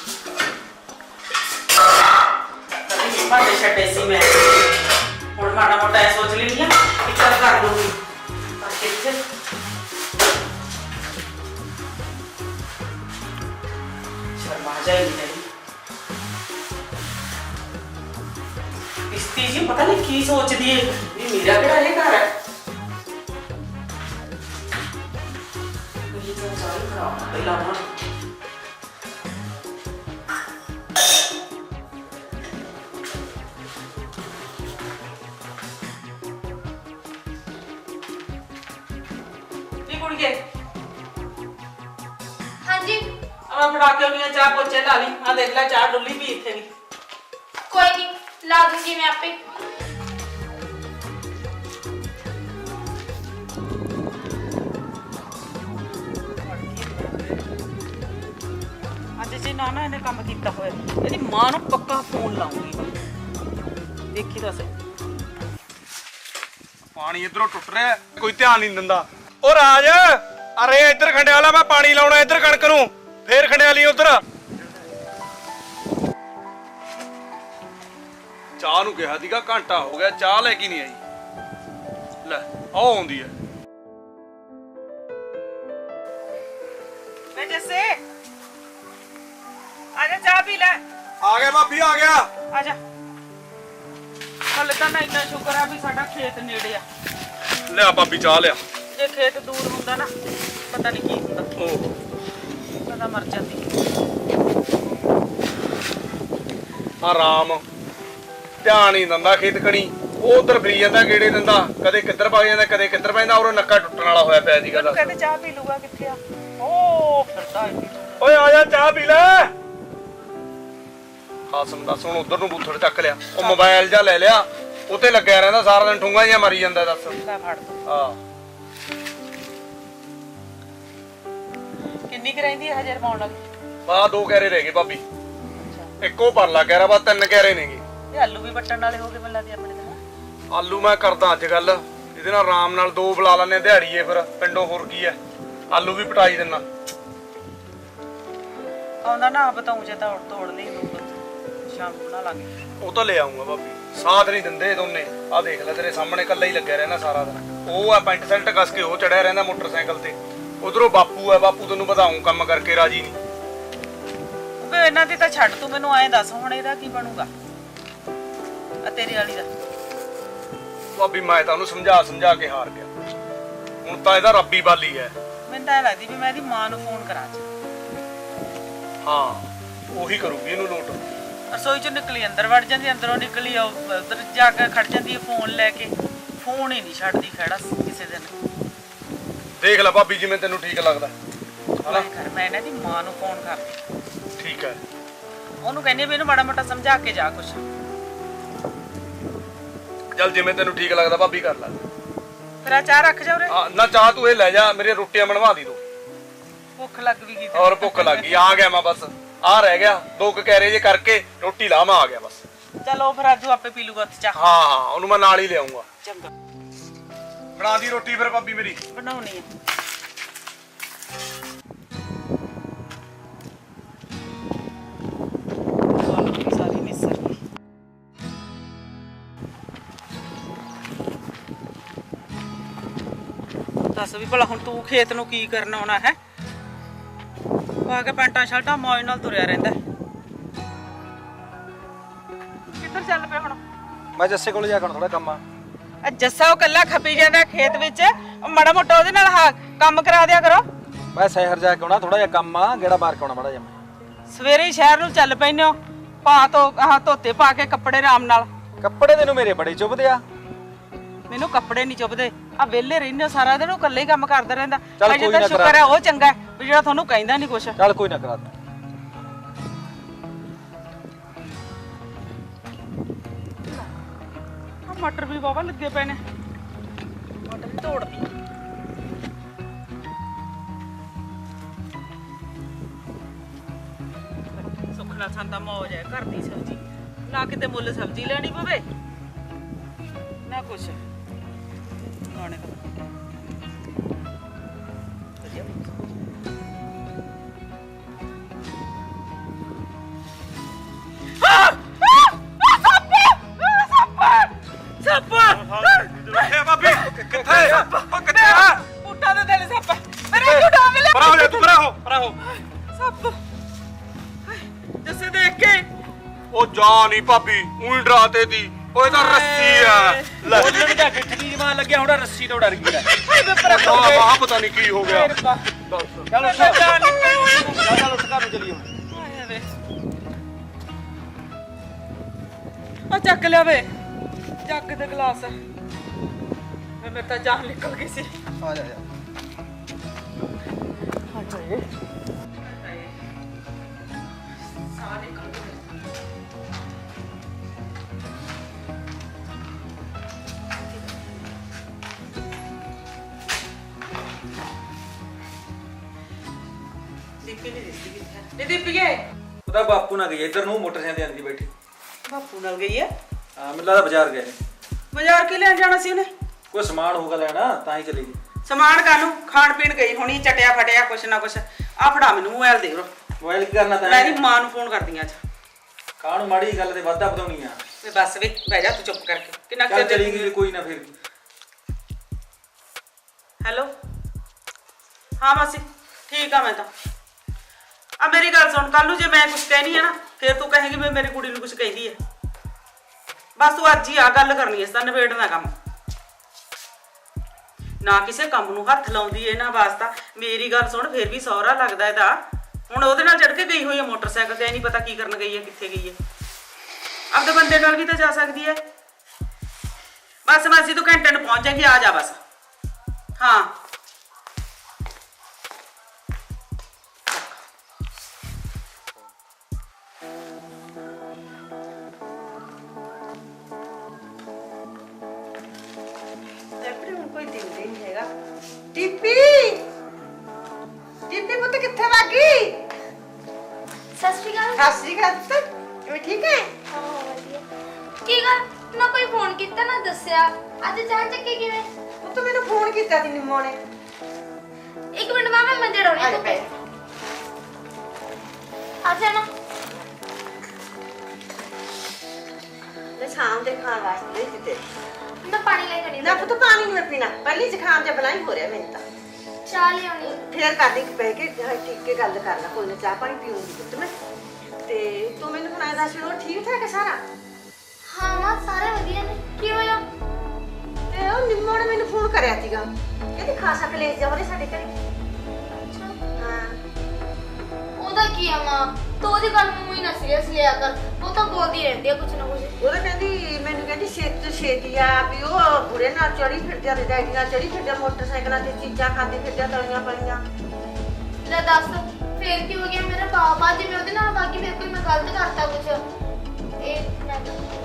Speaker 1: ਕਦੇ ਭਾਂਡੇ ਛੱਡੇ ਸੀ ਮੈਂ, ਹੁਣ ਮਾੜਾ ਮੋਟਾ ਇਹ ਸੋਚ ਲੈਂਦੀ ਆ ਕਿ ਚੱਲ ਕਰ ਲੂੰਗੀ, ਪਰ ਕਿੱਥੇ ਸ਼ਰਮਾ ਜਾਈ ਨਹੀਂ। ਇਸਤੀ ਜੀ ਪਤਾ ਨਹੀਂ ਕੀ ਸੋਚਦੀ ਹੈ ਵੀ ਮੇਰਾ ਕਿਹੜਾ ਇਹ ਘਰ ਹੈ। ਇਹ ਤਾਂ ਸਾਰੀ ਖਰਾਬ ਪਹਿਲਾਂ ਨਾ ਇਹ ਕੁੜੀ ਕੇ
Speaker 3: ਹਾਂਜੀ
Speaker 1: ਆ ਫੜਾ ਕੇ ਉਹਨੀਆਂ ਚਾਹ ਪੋਚੇ ਲਾ ਲਈ। ਆ ਦੇਖ ਲੈ ਚਾਹ ਡੁੱਲੀ ਵੀ ਇੱਥੇ ਨਹੀਂ।
Speaker 3: ਕੋਈ ਨਹੀਂ, ਲਾ ਦੂੰਗੀ ਮੈਂ ਆਪੇ।
Speaker 1: ਅੱਜ ਜੇ ਨਾ ਨਾ ਇਹਨੇ ਕੰਮ ਕੀਤਾ ਹੋਇਆ ਇਹਦੀ ਮਾਂ ਨੂੰ ਪੱਕਾ ਫੋਨ ਲਾਉਂਗੀ ਮੈਂ। ਦੇਖੀ ਤਾਂ ਸਹੀ।
Speaker 4: ਪਾਣੀ ਇਧਰੋਂ ਟੁੱਟ ਰਿਹਾ, ਕੋਈ ਧਿਆਨ ਨਹੀਂ ਦਿੰਦਾ। ਓ ਰਾਜ, ਅਰੇ ਇੱਧਰ ਖੰਡਿਆਲਾ, ਮੈਂ ਪਾਣੀ ਲਾਉਣਾ ਇੱਧਰ ਕਣਕ ਨੂੰ, ਫੇਰ ਖੰਡਿਆਲੀ ਉਧਰ। ਚਾਹ ਨੂੰ ਕਿਹਾ ਸੀਗਾ, ਘੰਟਾ ਹੋ ਗਿਆ ਚਾਹ ਲੈ ਕੇ ਨਹੀਂ ਆਈ। ਲੈ ਆਹ ਆਉਂਦੀ ਹੈ।
Speaker 1: ਵੇ ਜੱਸੇ ਆ ਜਾ ਚਾਹ ਪੀ ਲੈ।
Speaker 4: ਆ ਗਿਆ ਭਾਬੀ, ਆ ਗਿਆ।
Speaker 1: ਆ ਜਾ। ਹਲੇ ਤਾਂ ਨਾ ਇੰਨਾ ਸ਼ੁਕਰ ਆ ਵੀ ਸਾਡਾ ਖੇਤ ਨੇੜੇ ਆ।
Speaker 4: ਲਿਆ ਭਾਬੀ ਚਾਹ ਲਿਆ।
Speaker 1: ਜੇ ਖੇਤ ਦੂਰ ਹੁੰਦਾ ਨਾ ਪਤਾ ਨਹੀਂ ਕੀ ਹੁੰਦਾ,
Speaker 4: ਓਹ
Speaker 1: ਪਤਾ ਮਰ ਜਾਂਦੀ।
Speaker 4: ਆਰਾਮ ਧਿਆਨ ਹੀ ਦਿੰਦਾ ਖੇਤ ਕਣੀ, ਉਹ ਉਧਰ ਫਰੀ ਜਾਂਦਾ ਗੇੜੇ ਦਿੰਦਾ, ਕਦੇ ਕਿੱਧਰ ਵਗ ਜਾਂਦਾ ਕਦੇ ਕਿੱਧਰ ਪੈਂਦਾ, ਔਰ ਨੱਕਾ ਟੁੱਟਣ ਵਾਲਾ ਹੋਇਆ ਪਿਆ ਸੀਗਾ। ਦੱਸ
Speaker 1: ਕਹਿੰਦੇ ਚਾਹ ਪੀ ਲੂਗਾ, ਕਿੱਥੇ ਆ ਉਹ ਫਿਰਦਾ ਇੱਥੇ।
Speaker 4: ਓਏ ਆ ਜਾ ਚਾਹ ਪੀ ਲੈ। ਹਾਸਮ ਦੱਸ ਹੁਣ ਉਧਰ ਨੂੰ ਬੂਥੜ ਚੱਕ ਲਿਆ, ਉਹ ਮੋਬਾਈਲ ਜਾਂ ਲੈ ਲਿਆ, ਉੱਤੇ ਲੱਗਿਆ ਰਹਿੰਦਾ ਸਾਰਾ ਦਿਨ, ਠੁੰਗਾ ਜਿਹਾ ਮਾਰੀ ਜਾਂਦਾ। ਦੱਸ
Speaker 1: ਲੈ ਫੜ ਤੂੰ।
Speaker 4: ਹਾਂ
Speaker 1: ਕਿੰਨੀ ਕੁ ਰਹਿੰਦੀ ਹੈ ਹਜੇ ਰਮਾਉਣ ਵਾਲੀ?
Speaker 4: ਬਾ ਦੋ ਕੈਰੇ ਰਹਿ ਗਏ ਭਾਬੀ, ਇੱਕੋ ਪਰਲਾ ਕਹਿਰਾ, ਬਾ ਤਿੰਨ ਕੈਰੇ ਨੇਗੇ।
Speaker 1: ਇਹ ਆਲੂ ਵੀ ਵੱਟਣ ਵਾਲੇ ਹੋ ਗਏ ਬੱਲਾ ਦੀ ਆਪਣੇ ਦਾ।
Speaker 4: ਆਲੂ ਮੈਂ ਕਰਦਾ ਅੱਜ ਗੱਲ, ਇਹਦੇ ਨਾਲ ਆਰਾਮ ਨਾਲ ਦੋ ਬੁਲਾ ਲੈਣੇ ਦਿਹਾੜੀਏ, ਫਿਰ ਪਿੰਡੋਂ ਹੋਰ ਕੀ ਐ, ਆਲੂ ਵੀ ਪਟਾਈ ਦਿੰਨਾ।
Speaker 1: ਆਉਂਦਾ ਨਾ ਬਤਾਉਂ ਜੇ ਤਾਂ ਤੋੜ ਲਈ ਦੋ ਸ਼ਾਮ ਨੂੰ ਬਣਾ ਲਾਂਗੇ।
Speaker 4: ਉਹ ਤਾਂ ਲੈ ਆਉਂਗਾ ਭਾਬੀ, ਸਾਥ ਨਹੀਂ ਦਿੰਦੇ ਦੋਨੇ। ਆਹ ਦੇਖ ਲੈ ਤੇਰੇ ਸਾਹਮਣੇ ਇਕੱਲਾ ਹੀ ਲੱਗਿਆ ਰਹਿੰਦਾ ਸਾਰਾ ਦਿਨ। ਉਹ ਆ ਪੈਂਟ ਸ਼ਰਟ ਕੱਸ ਕੇ ਉਹ ਚੜਿਆ ਰਹਿੰਦਾ ਮੋਟਰਸਾਈਕਲ ਤੇ, ਉਧਰੋਂ ਬਾਪੂ ਆ, ਬਾਪੂ ਤੈਨੂੰ ਵਧਾਉਂ ਕੰਮ ਕਰਕੇ ਰਾਜੀ ਨਹੀਂ।
Speaker 1: ਵੇ ਇਹਨਾਂ ਦੀ ਤਾਂ ਛੱਡ, ਤੂੰ ਮੈਨੂੰ ਐਂ ਦੱਸ ਹੁਣ ਇਹਦਾ ਕੀ ਬਣੂਗਾ ਆ ਤੇਰੀ ਵਾਲੀ ਦਾ?
Speaker 4: ਭਾਬੀ ਮੈਂ ਤਾਂ ਉਹਨੂੰ ਸਮਝਾ ਸਮਝਾ ਕੇ ਹਾਰ ਗਿਆ, ਹੁਣ ਤਾਂ ਇਹਦਾ ਰੱਬੀ ਬਾਲੀ ਹੈ।
Speaker 1: ਮੈਨੂੰ ਤਾਂ ਇਹ ਲੱਗਦੀ ਵੀ ਮੈਂ ਇਹਦੀ ਮਾਂ ਨੂੰ ਫੋਨ ਕਰਾਂ ਅੱਜ।
Speaker 4: ਹਾਂ ਉਹੀ ਕਰੂਗੀ ਇਹਨੂੰ ਲੋਟ।
Speaker 1: ਰਸੋਈ ਚੋਂ ਨਿਕਲੀ ਅੰਦਰ ਵੜ ਜਾਂਦੀ, ਅੰਦਰੋਂ ਨਿਕਲੀ ਉਧਰ ਜਾ ਕੇ ਖੜ ਜਾਂਦੀ ਹੈ ਫੋਨ ਲੈ ਕੇ। ਫੋਨ ਹੀ ਨਹੀਂ ਛੱਡਦੀ ਖੜਾ ਕਿਸੇ ਦਿਨ।
Speaker 4: ਦੇਖ ਲੈ ਭਾਬੀ ਜਿਵੇਂ ਤੈਨੂੰ ਠੀਕ ਲੱਗਦਾ।
Speaker 1: ਹਨਾ ਕਰ ਮੈਂ ਇਹਨਾਂ ਦੀ ਮਾਂ ਨੂੰ ਫੋਨ ਕਰਦੀ।
Speaker 4: ਠੀਕ ਹੈ,
Speaker 1: ਉਹਨੂੰ ਕਹਿੰਦੀ ਵੀ ਇਹਨੂੰ ਮਾੜਾ ਮੋਟਾ ਸਮਝਾ ਕੇ ਜਾ ਕੁਛ।
Speaker 4: ਚੱਲ ਜਿਵੇਂ ਤੈਨੂੰ ਠੀਕ ਲੱਗਦਾ ਭਾਬੀ ਕਰ ਲੈ।
Speaker 1: ਫਿਰ ਆ ਚਾਹ ਰੱਖ ਜਾ ਉਰੇ।
Speaker 4: ਆ ਨਾ ਚਾਹ ਤੂੰ ਇਹ ਲੈ ਜਾ, ਮੇਰੀਆਂ ਰੋਟੀਆਂ ਬਣਵਾ ਦੀ ਤੂੰ।
Speaker 1: ਭੁੱਖ ਲੱਗ ਵੀ ਗਈ
Speaker 4: ਔਰ ਭੁੱਖ ਲੱਗ ਗਈ, ਆ ਗਿਆ ਮੈਂ ਬਸ, ਆ ਰਹਿ ਗਿਆ ਦੋ ਕੁ ਕੈਰੇ ਜੇ ਕਰਕੇ ਰੋਟੀ ਲਾ, ਮੈਂ ਆ ਗਿਆ ਬਸ।
Speaker 1: ਚਲੋ ਫਿਰ ਆਜੂ ਆਪੇ ਪੀ ਲੂਗਾ ਉੱਥੇ ਚਾਹ।
Speaker 4: ਹਾਂ ਹਾਂ ਉਹਨੂੰ ਮੈਂ ਨਾਲ ਹੀ ਲਿਆਉਂਗਾ।
Speaker 1: ਚੰਗਾ
Speaker 4: ਬਣਾ ਦੀ ਰੋਟੀ ਫਿਰ ਭਾਬੀ ਮੇਰੀ।
Speaker 1: ਬਣਾਉਣੀ ਹੈ। ਸਾਰੀ ਮਿਸਰ ਗਈ। ਦੱਸ ਵੀ ਭਲਾ ਹੁਣ ਤੂੰ ਖੇਤ ਨੂੰ ਕੀ ਕਰਨ ਆਉਣਾ ਹੈ? ਪਾ ਕੇ ਪੈਂਟਾਂ ਸ਼ਰਟਾਂ ਮੌਜ ਨਾਲ ਤੁਰਿਆ ਰਹਿੰਦਾ। ਕਿੱਧਰ ਚੱਲ ਪਿਆ ਹੁਣ?
Speaker 2: ਮੈਂ ਜੱਸੇ ਕੋਲ ਜਾ ਕੇ ਥੋੜਾ ਕੰਮ ਆ।
Speaker 1: ਆ ਜੱਸਾ ਉਹ ਕੱਲਾ ਖਪੀ ਜਾਂਦਾ ਖੇਤ ਵਿੱਚ, ਉਹ ਮਾੜਾ ਮੋਟਾ ਉਹਦੇ ਨਾਲ ਹਾਂ ਕੰਮ ਕਰਾ ਦਿਆ ਕਰੋ।
Speaker 2: ਮੈਂ ਸ਼ਹਿਰ ਜਾ ਕੇ ਆਉਣਾ, ਥੋੜਾ ਜਿਹਾ ਕੰਮ ਆ, ਗੇੜਾ ਮਾਰ ਕੇ ਆਉਣਾ ਮਾੜਾ ਜਿਹਾ।
Speaker 1: ਸਵੇਰੇ ਹੀ ਸ਼ਹਿਰ ਨੂੰ ਚੱਲ ਪੈਨੇ ਹੋ, ਪਾ ਤੋ ਆਹ ਧੋਤੇ ਪਾ ਕੇ ਕੱਪੜੇ ਆਰਾਮ ਨਾਲ।
Speaker 2: ਕੱਪੜੇ ਤੈਨੂੰ ਮੇਰੇ ਬੜੇ ਚੁੱਭਦੇ ਆ।
Speaker 1: ਮੈਨੂੰ ਕੱਪੜੇ ਨਹੀਂ ਚੁੱਭਦੇ, ਆ ਵਿਹਲੇ ਰਹਿੰਦੇ ਹੋ ਸਾਰਾ ਦਿਨ, ਉਹ ਇਕੱਲੇ ਹੀ ਕੰਮ ਕਰਦਾ ਰਹਿੰਦਾ।
Speaker 2: ਚੱਲ
Speaker 1: ਅਜੇ
Speaker 2: ਕੋਈ
Speaker 1: ਤਾਂ
Speaker 2: ਨਾ
Speaker 1: ਸ਼ੁਕਰ ਹੈ ਉਹ ਚੰਗਾ ਵੀ ਜਿਹੜਾ ਤੁਹਾਨੂੰ ਕਹਿੰਦਾ ਨਹੀਂ ਕੁਛ।
Speaker 2: ਚੱਲ ਕੋਈ ਨਾ ਕਰਾ ਦੇ।
Speaker 1: ਆ ਮਟਰ ਵੀ ਵਾਵਾ ਲੱਗੇ ਪਏ ਨੇ, ਮਟਰ ਵੀ ਤੋੜਦੀ। ਸੁਖਣਾ ਸੰਦਾ ਮੌਜ ਹੈ ਘਰ ਦੀ ਸਬਜ਼ੀ, ਨਾ ਕਿਤੇ ਮੁੱਲ ਸਬਜ਼ੀ ਲੈਣੀ ਪਵੇ ਨਾ ਕੁਛ। ਗਾਣੇ ਦਾ
Speaker 4: ਬਾਬੀ ਕਿੱਥੇ ਉਹ ਕਿੱਥੇ ਆ?
Speaker 1: ਪੁੱਟਾਂ ਦੇ ਦਿਲ ਸੱਪ ਮੇਰੇ ਝੂਟਾ ਮਿਲੇ।
Speaker 4: ਪਰਾ ਹੋ ਜਾ ਤੂੰ, ਪਰਾ ਹੋ ਪਰਾ ਹੋ।
Speaker 1: ਸੱਪ ਜਿਸੇ ਦੇਖ ਕੇ
Speaker 4: ਉਹ ਜਾ ਨਹੀਂ ਭਾਬੀ, ਉਹੀ ਡਰਾਤੇ ਦੀ। ਓਏ ਤਾਂ ਰੱਸੀ ਆ ਲੈ।
Speaker 2: ਉਹਨੇ ਵੀ ਤਾਂ ਗਿੱਠ ਦੀ ਜਮਾਨ ਲੱਗਿਆ, ਹੁਣ ਰੱਸੀ ਤੋਂ ਡਰ ਗਈ ਲੈ।
Speaker 1: ਹਾਏ ਮੈਂ ਪਰ
Speaker 4: ਆ ਵਾਹ ਪਤਾ ਨਹੀਂ ਕੀ ਹੋ ਗਿਆ।
Speaker 2: ਚੱਲ ਉੱਠ ਚੱਲ ਚੱਲ ਉੱਠ ਘਰ ਨੂੰ ਚੱਲੀਏ ਹੁਣ।
Speaker 1: ਹਾਏ ਵੇ ਆ ਚੱਕ ਲਿਆ ਵੇ ਜੱਗ ਦੇ ਗਲਾਸ। ਮੈਂ ਮੇਰੇ ਤਾਂ ਜਾਨ ਨਿਕਲ ਗਈ ਸੀ।
Speaker 2: ਆ ਜਾ ਜਾ।
Speaker 1: ਹਾਏ ਸਾਹ ਨਿਕਲ ਗਏ। ਦੀਪੀ ਨਹੀਂ ਦਿਸਦੀ ਕਿੱਥੇ? ਨੀ ਦੀਪੀਏ
Speaker 2: ਉਹਦਾ ਬਾਪੂ ਨਾਲ ਗਈ ਇੱਧਰ ਨੂੰ, ਮੋਟਰਸਾਈਕਲ ਤੇ ਆਂਦੀ ਬੈਠੀ।
Speaker 1: ਬਾਪੂ ਨਾਲ ਗਈ ਹੈ?
Speaker 2: ਹਾਂ ਮੈਨੂੰ ਲੱਗਦਾ ਬਾਜ਼ਾਰ ਗਏ ਨੇ।
Speaker 1: ਬਾਜ਼ਾਰ ਕੀ ਲੈਣ ਜਾਣਾ ਸੀ ਉਹਨੇ?
Speaker 2: ਕੋਈ ਸਮਾਨ ਹੋਊਗਾ ਲੈਣਾ, ਤਾਂ ਹੀ ਚਲੀ ਗਈ।
Speaker 1: ਸਮਾਨ ਕਾਨੂੰ? ਖਾਣ ਪੀਣ ਗਈ ਹੋਣੀ, ਚਟਿਆ ਫਟਿਆ ਕੁਛ ਨਾ ਕੁਛ। ਆ ਫੜਾ ਮੈਨੂੰ ਮੋਬਾਈਲ ਦੇ ਰੋ,
Speaker 2: ਮੋਬਾਈਲ ਕੀ ਕਰਨਾ ਤਾਂ?
Speaker 1: ਮੈਂ ਦੀ ਮਾਂ ਨੂੰ ਫੋਨ ਕਰਦੀ ਆਂ ਅੱਜ।
Speaker 2: ਕਾਹਨੂੰ ਮਾੜੀ ਗੱਲ ਤੇ ਵਾਧਾ ਵਧਾਉਣੀ ਆ।
Speaker 1: ਵੇ ਬਸ ਵੇ ਬਹਿ ਜਾ ਤੂੰ ਚੁੱਪ ਕਰਕੇ। ਕਿੰਨਾ
Speaker 2: ਚੱਲ
Speaker 1: ਚਿਰ
Speaker 2: ਚਲੀ ਗਈ, ਕੋਈ ਨਾ ਫਿਰ।
Speaker 1: ਹੈਲੋ ਹਾਂ ਮਾਸੀ ਠੀਕ ਆ। ਮੈਂ ਤਾਂ ਆ ਮੇਰੀ ਗੱਲ ਸੁਣ, ਕੱਲ ਨੂੰ ਜੇ ਮੈਂ ਕੁਛ ਕਹਿਣੀ ਹੈ ਨਾ ਫਿਰ ਤੂੰ ਕਹੇਂਗੀ ਮੈਂ ਮੇਰੀ ਕੁੜੀ ਨੂੰ ਕੁਛ ਕਹਿੰਦੀ ਹੈ। ਬਸ ਤੂੰ ਅੱਜ ਹੀ ਆ ਗੱਲ ਕਰਨੀ, ਇਸ ਦਾ ਨਿਬੇੜਨਾ ਕੰਮ। ਨਾ ਕਿਸੇ ਕੰਮ ਨੂੰ ਹੱਥ ਲਾਉਂਦੀ ਏ ਨਾ ਵਾਸਤਾ। ਮੇਰੀ ਗੱਲ ਸੁਣ, ਫਿਰ ਵੀ ਸਹੁਰਾ ਲੱਗਦਾ ਇਹਦਾ। ਹੁਣ ਉਹਦੇ ਨਾਲ ਚੜ ਕੇ ਗਈ ਹੋਈ ਹੈ ਮੋਟਰਸਾਈਕਲ ਤੇ, ਨਹੀਂ ਪਤਾ ਕੀ ਕਰਨ ਗਈ ਹੈ, ਕਿੱਥੇ ਗਈ ਹੈ। ਆਪਦੇ ਬੰਦੇ ਨਾਲ ਵੀ ਤਾਂ ਜਾ ਸਕਦੀ ਹੈ। ਬਸ ਮਾਸੀ ਤੂੰ ਘੰਟੇ ਨੂੰ ਪਹੁੰਚ ਜਾਏਗੀ, ਆ ਜਾ ਬਸ। ਹਾਂ ਕੋਈ ਦਿੰਦੇ ਨਹੀਂ ਹੈਗਾ। ਟਿੱਪੀ ਟਿੱਪੀ ਪੁੱਤ ਕਿੱਥੇ ਵਗ ਗਈ?
Speaker 3: ਸਤਿ ਸ਼੍ਰੀ ਅਕਾਲ।
Speaker 1: ਸਤਿ ਸ਼੍ਰੀ ਅਕਾਲ ਪੁੱਤ, ਕਿਵੇਂ ਠੀਕ ਹੈ?
Speaker 3: ਹਾਂ ਵਧੀਆ। ਕੀ ਗੱਲ ਨਾ ਕੋਈ ਫੋਨ ਕੀਤਾ ਨਾ ਦੱਸਿਆ, ਅੱਜ ਚਾਹ ਚੱਕੀ ਕਿਵੇਂ?
Speaker 1: ਪੁੱਤ ਮੈਨੂੰ ਫੋਨ ਕੀਤਾ ਸੀ ਨਿੰਮੋ ਨੇ।
Speaker 3: ਇੱਕ ਮਿੰਟ ਮਾਂ, ਮੈਂ ਮੰਜੇ ਡਾਉਣੀ ਤੂੰ ਪੈ ਆ ਜਾ ਨਾ।
Speaker 5: ਮੈਂ ਸ਼ਾਮ ਦੇ ਖਾਣ ਵਾਸਤੇ ਦਿੱਤੇ।
Speaker 3: ਮੈਂ ਪਾਣੀ ਲੈ ਕੇ ਨਹੀਂ
Speaker 5: ਨਾ ਪੁੱਤ ਪਾਣੀ ਨਹੀਂ ਮੈਂ ਪੀਣਾ, ਪਹਿਲੀ ਜ਼ੁਕਾਮ ਜਿਹਾ ਬਲਾਈ ਹੋ ਰਿਹਾ ਮੈਨੂੰ ਤਾਂ।
Speaker 3: ਚਾਹ ਲਿਆਉਣੀ।
Speaker 5: ਫੇਰ ਕਰਦੀ ਬਹਿ ਕੇ ਠੀਕ ਕੇ ਗੱਲ ਕਰ ਲੈ, ਕੋਈ ਨਾ ਚਾਹ ਪਾਣੀ ਪੀਉਂਗੀ ਪੁੱਤ ਮੈਂ। ਤੇ ਤੂੰ ਮੈਨੂੰ ਹੁਣ ਦੱਸ ਉਹ ਠੀਕ ਠਾਕ ਹੈ ਸਾਰਾ?
Speaker 3: ਹਾਂ ਮਾਂ ਸਾਰੇ ਵਧੀਆ ਨੇ। ਕੀ ਹੋਇਆ?
Speaker 5: ਤੇ ਉਹ ਨਿੰਮੋ ਨੇ ਮੈਨੂੰ ਫੋਨ ਕਰਿਆ ਸੀਗਾ, ਕਹਿੰਦੀ ਖਾਸਾ ਕਲੇਸ਼ ਜਾ ਹੋ ਰਿਹਾ ਸਾਡੇ ਘਰੇ। ਹਾਂ
Speaker 3: ਉਹਦਾ ਕੀ ਆ ਮਾਂ, ਤੂੰ ਉਹਦੀ ਗੱਲ ਨੂੰ ਹੀ ਨਾ ਸੀਰੀਅਸ ਲਿਆ ਕਰ। ਉਹ ਤਾਂ ਬੋਲਦੀ ਰਹਿੰਦੀ ਆ ਕੁਛ ਨਾ ਕੁਛ।
Speaker 5: ਉਹਦਾ ਕਹਿੰਦੀ ਮੈਨੂੰ ਕਹਿੰਦੀ ਛੇਤੀ ਤੋਂ ਛੇਤੀ ਆ ਵੀ ਉਹ ਬੁਰੇ ਨਾਲ ਚੜੀ ਫਿਰਦਿਆਂ ਤੇ ਡੈਡੀ ਨਾਲ ਚੜੀ ਫਿਰਦਿਆਂ ਮੋਟਰਸਾਈਕਲਾਂ ਤੇ ਚੀਜ਼ਾਂ ਖਾਂਦੇ ਫਿਰਦਿਆਂ ਤਲੀਆਂ ਪਲੀਆਂ।
Speaker 3: ਲੈ ਦੱਸ ਫੇਰ ਕੀ ਹੋ ਗਿਆ? ਮੇਰਾ ਬਾਬਾ ਜੀ ਮੈਂ ਉਹਦੇ ਨਾਲ ਬਾਕੀ ਫੇਰ ਕੋਈ ਮੈਂ ਗਲਤ ਕਰਤਾ ਕੁਛ? ਇਹ ਮੈਂ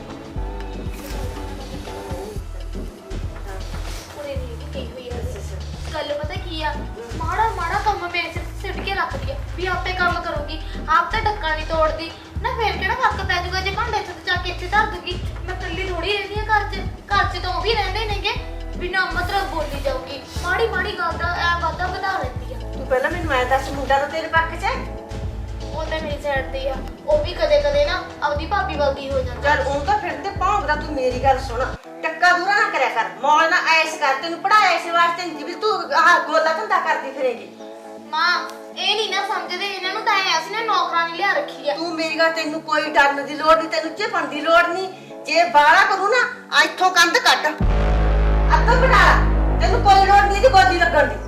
Speaker 3: ਪੂਰੇ ਨਹੀਂ ਕਿ ਕੀ ਹੋਈ ਹੈ। ਗੱਲ ਪਤਾ ਕੀ ਆ, ਮਾੜਾ ਮਾੜਾ ਕੰਮ ਮੇਰੇ ਸਿਰ ਸਿੱਟ ਕੇ ਰੱਖਦੀ ਆ ਵੀ ਆਪੇ ਕੰਮ ਕਰੂਗੀ, ਆਪ ਤਾਂ ਢੱਕਾ ਨਹੀਂ ਤੋੜਦੀ ਨਾ। ਫੇਰ ਕਿਹੜਾ ਫਰਕ ਪੈ ਜਾਊਗਾ ਜੇ ਭਾਂਡੇ ਇੱਥੇ ਜਾ ਕੇ ਇੱਥੇ ਧਰ ਦੂਗੀ? ਮੈਂ ਇਕੱਲੀ ਥੋੜੀ ਰਹਿੰਦੀ ਆ ਘਰ 'ਚ, ਘਰ 'ਚ ਤਾਂ ਉਹ ਵੀ ਰਹਿੰਦੇ ਨੇਗੇ। ਬਿਨਾਂ ਮਤਲਬ ਬੋਲੀ ਜਾਊਗੀ, ਮਾੜੀ ਮਾੜੀ ਗੱਲ ਦਾ ਐ ਵਾਧਾ ਵਧਾ ਲੈਂਦੀ ਆ।
Speaker 5: ਤੂੰ ਪਹਿਲਾਂ ਮੈਨੂੰ ਐਂ ਦੱਸ, ਮੁੰਡਾ ਤਾਂ ਤੇਰੇ ਪੱਖ 'ਚ ਹੈ?
Speaker 3: ਉਹ ਤਾਂ ਮੇਰੀ ਸਾਈਡ ਤੇ ਆ, ਉਹ ਵੀ ਕਦੇ ਕਦੇ ਨਾ ਆਪਦੀ ਭਾਬੀ ਵਰਗੀ ਹੋ ਜਾਂਦਾ।
Speaker 5: ਚੱਲ ਉਹ ਤਾਂ ਫਿਰ ਤੇ ਭੌਂਕਦਾ। ਤੂੰ ਮੇਰੀ ਗੱਲ ਸੁਣ, ਟੱਕਾ ਦੂਰਾ ਨਾ ਕਰਿਆ ਕਰ, ਮੌਲ ਨਾ ਐਸ ਕਰ ਤੈਨੂੰ ਪੜਾਇਆ ਇਸ ਵਾਸਤੇ ਨਹੀਂ ਵੀ ਤੂੰ ਆਹ ਗੋਲਾ ਧੰਦਾ ਕਰਦੀ ਫਿਰੇਗੀ।
Speaker 3: ਮਾਂ ਇਹ ਨਹੀਂ ਨਾ ਸਮਝਦੇ, ਇਹਨਾਂ ਨੂੰ ਤਾਂ ਐ ਅਸੀਂ ਨੇ ਨੌਕਰਾਨੀ ਲਿਆ ਰੱਖੀ ਆ।
Speaker 5: ਤੂੰ ਮੇਰੀ ਗੱਲ ਤੈਨੂੰ ਕੋਈ ਡਰਨ ਦੀ ਲੋੜ ਨਹੀਂ, ਤੈਨੂੰ ਝਪਣ ਦੀ ਲੋੜ ਨਹੀਂ। ਜੇ ਬਾਹਲਾ ਕਰੂ ਨਾ ਇੱਥੋਂ ਕੰਧ ਕੱਢ ਅੱਧਾ ਬਣਾ ਲਾ, ਤੈਨੂੰ ਕੋਈ ਲੋੜ ਨਹੀਂ ਇਹਦੀ ਗੋਦੀ ਲੱਗਣ ਦੀ।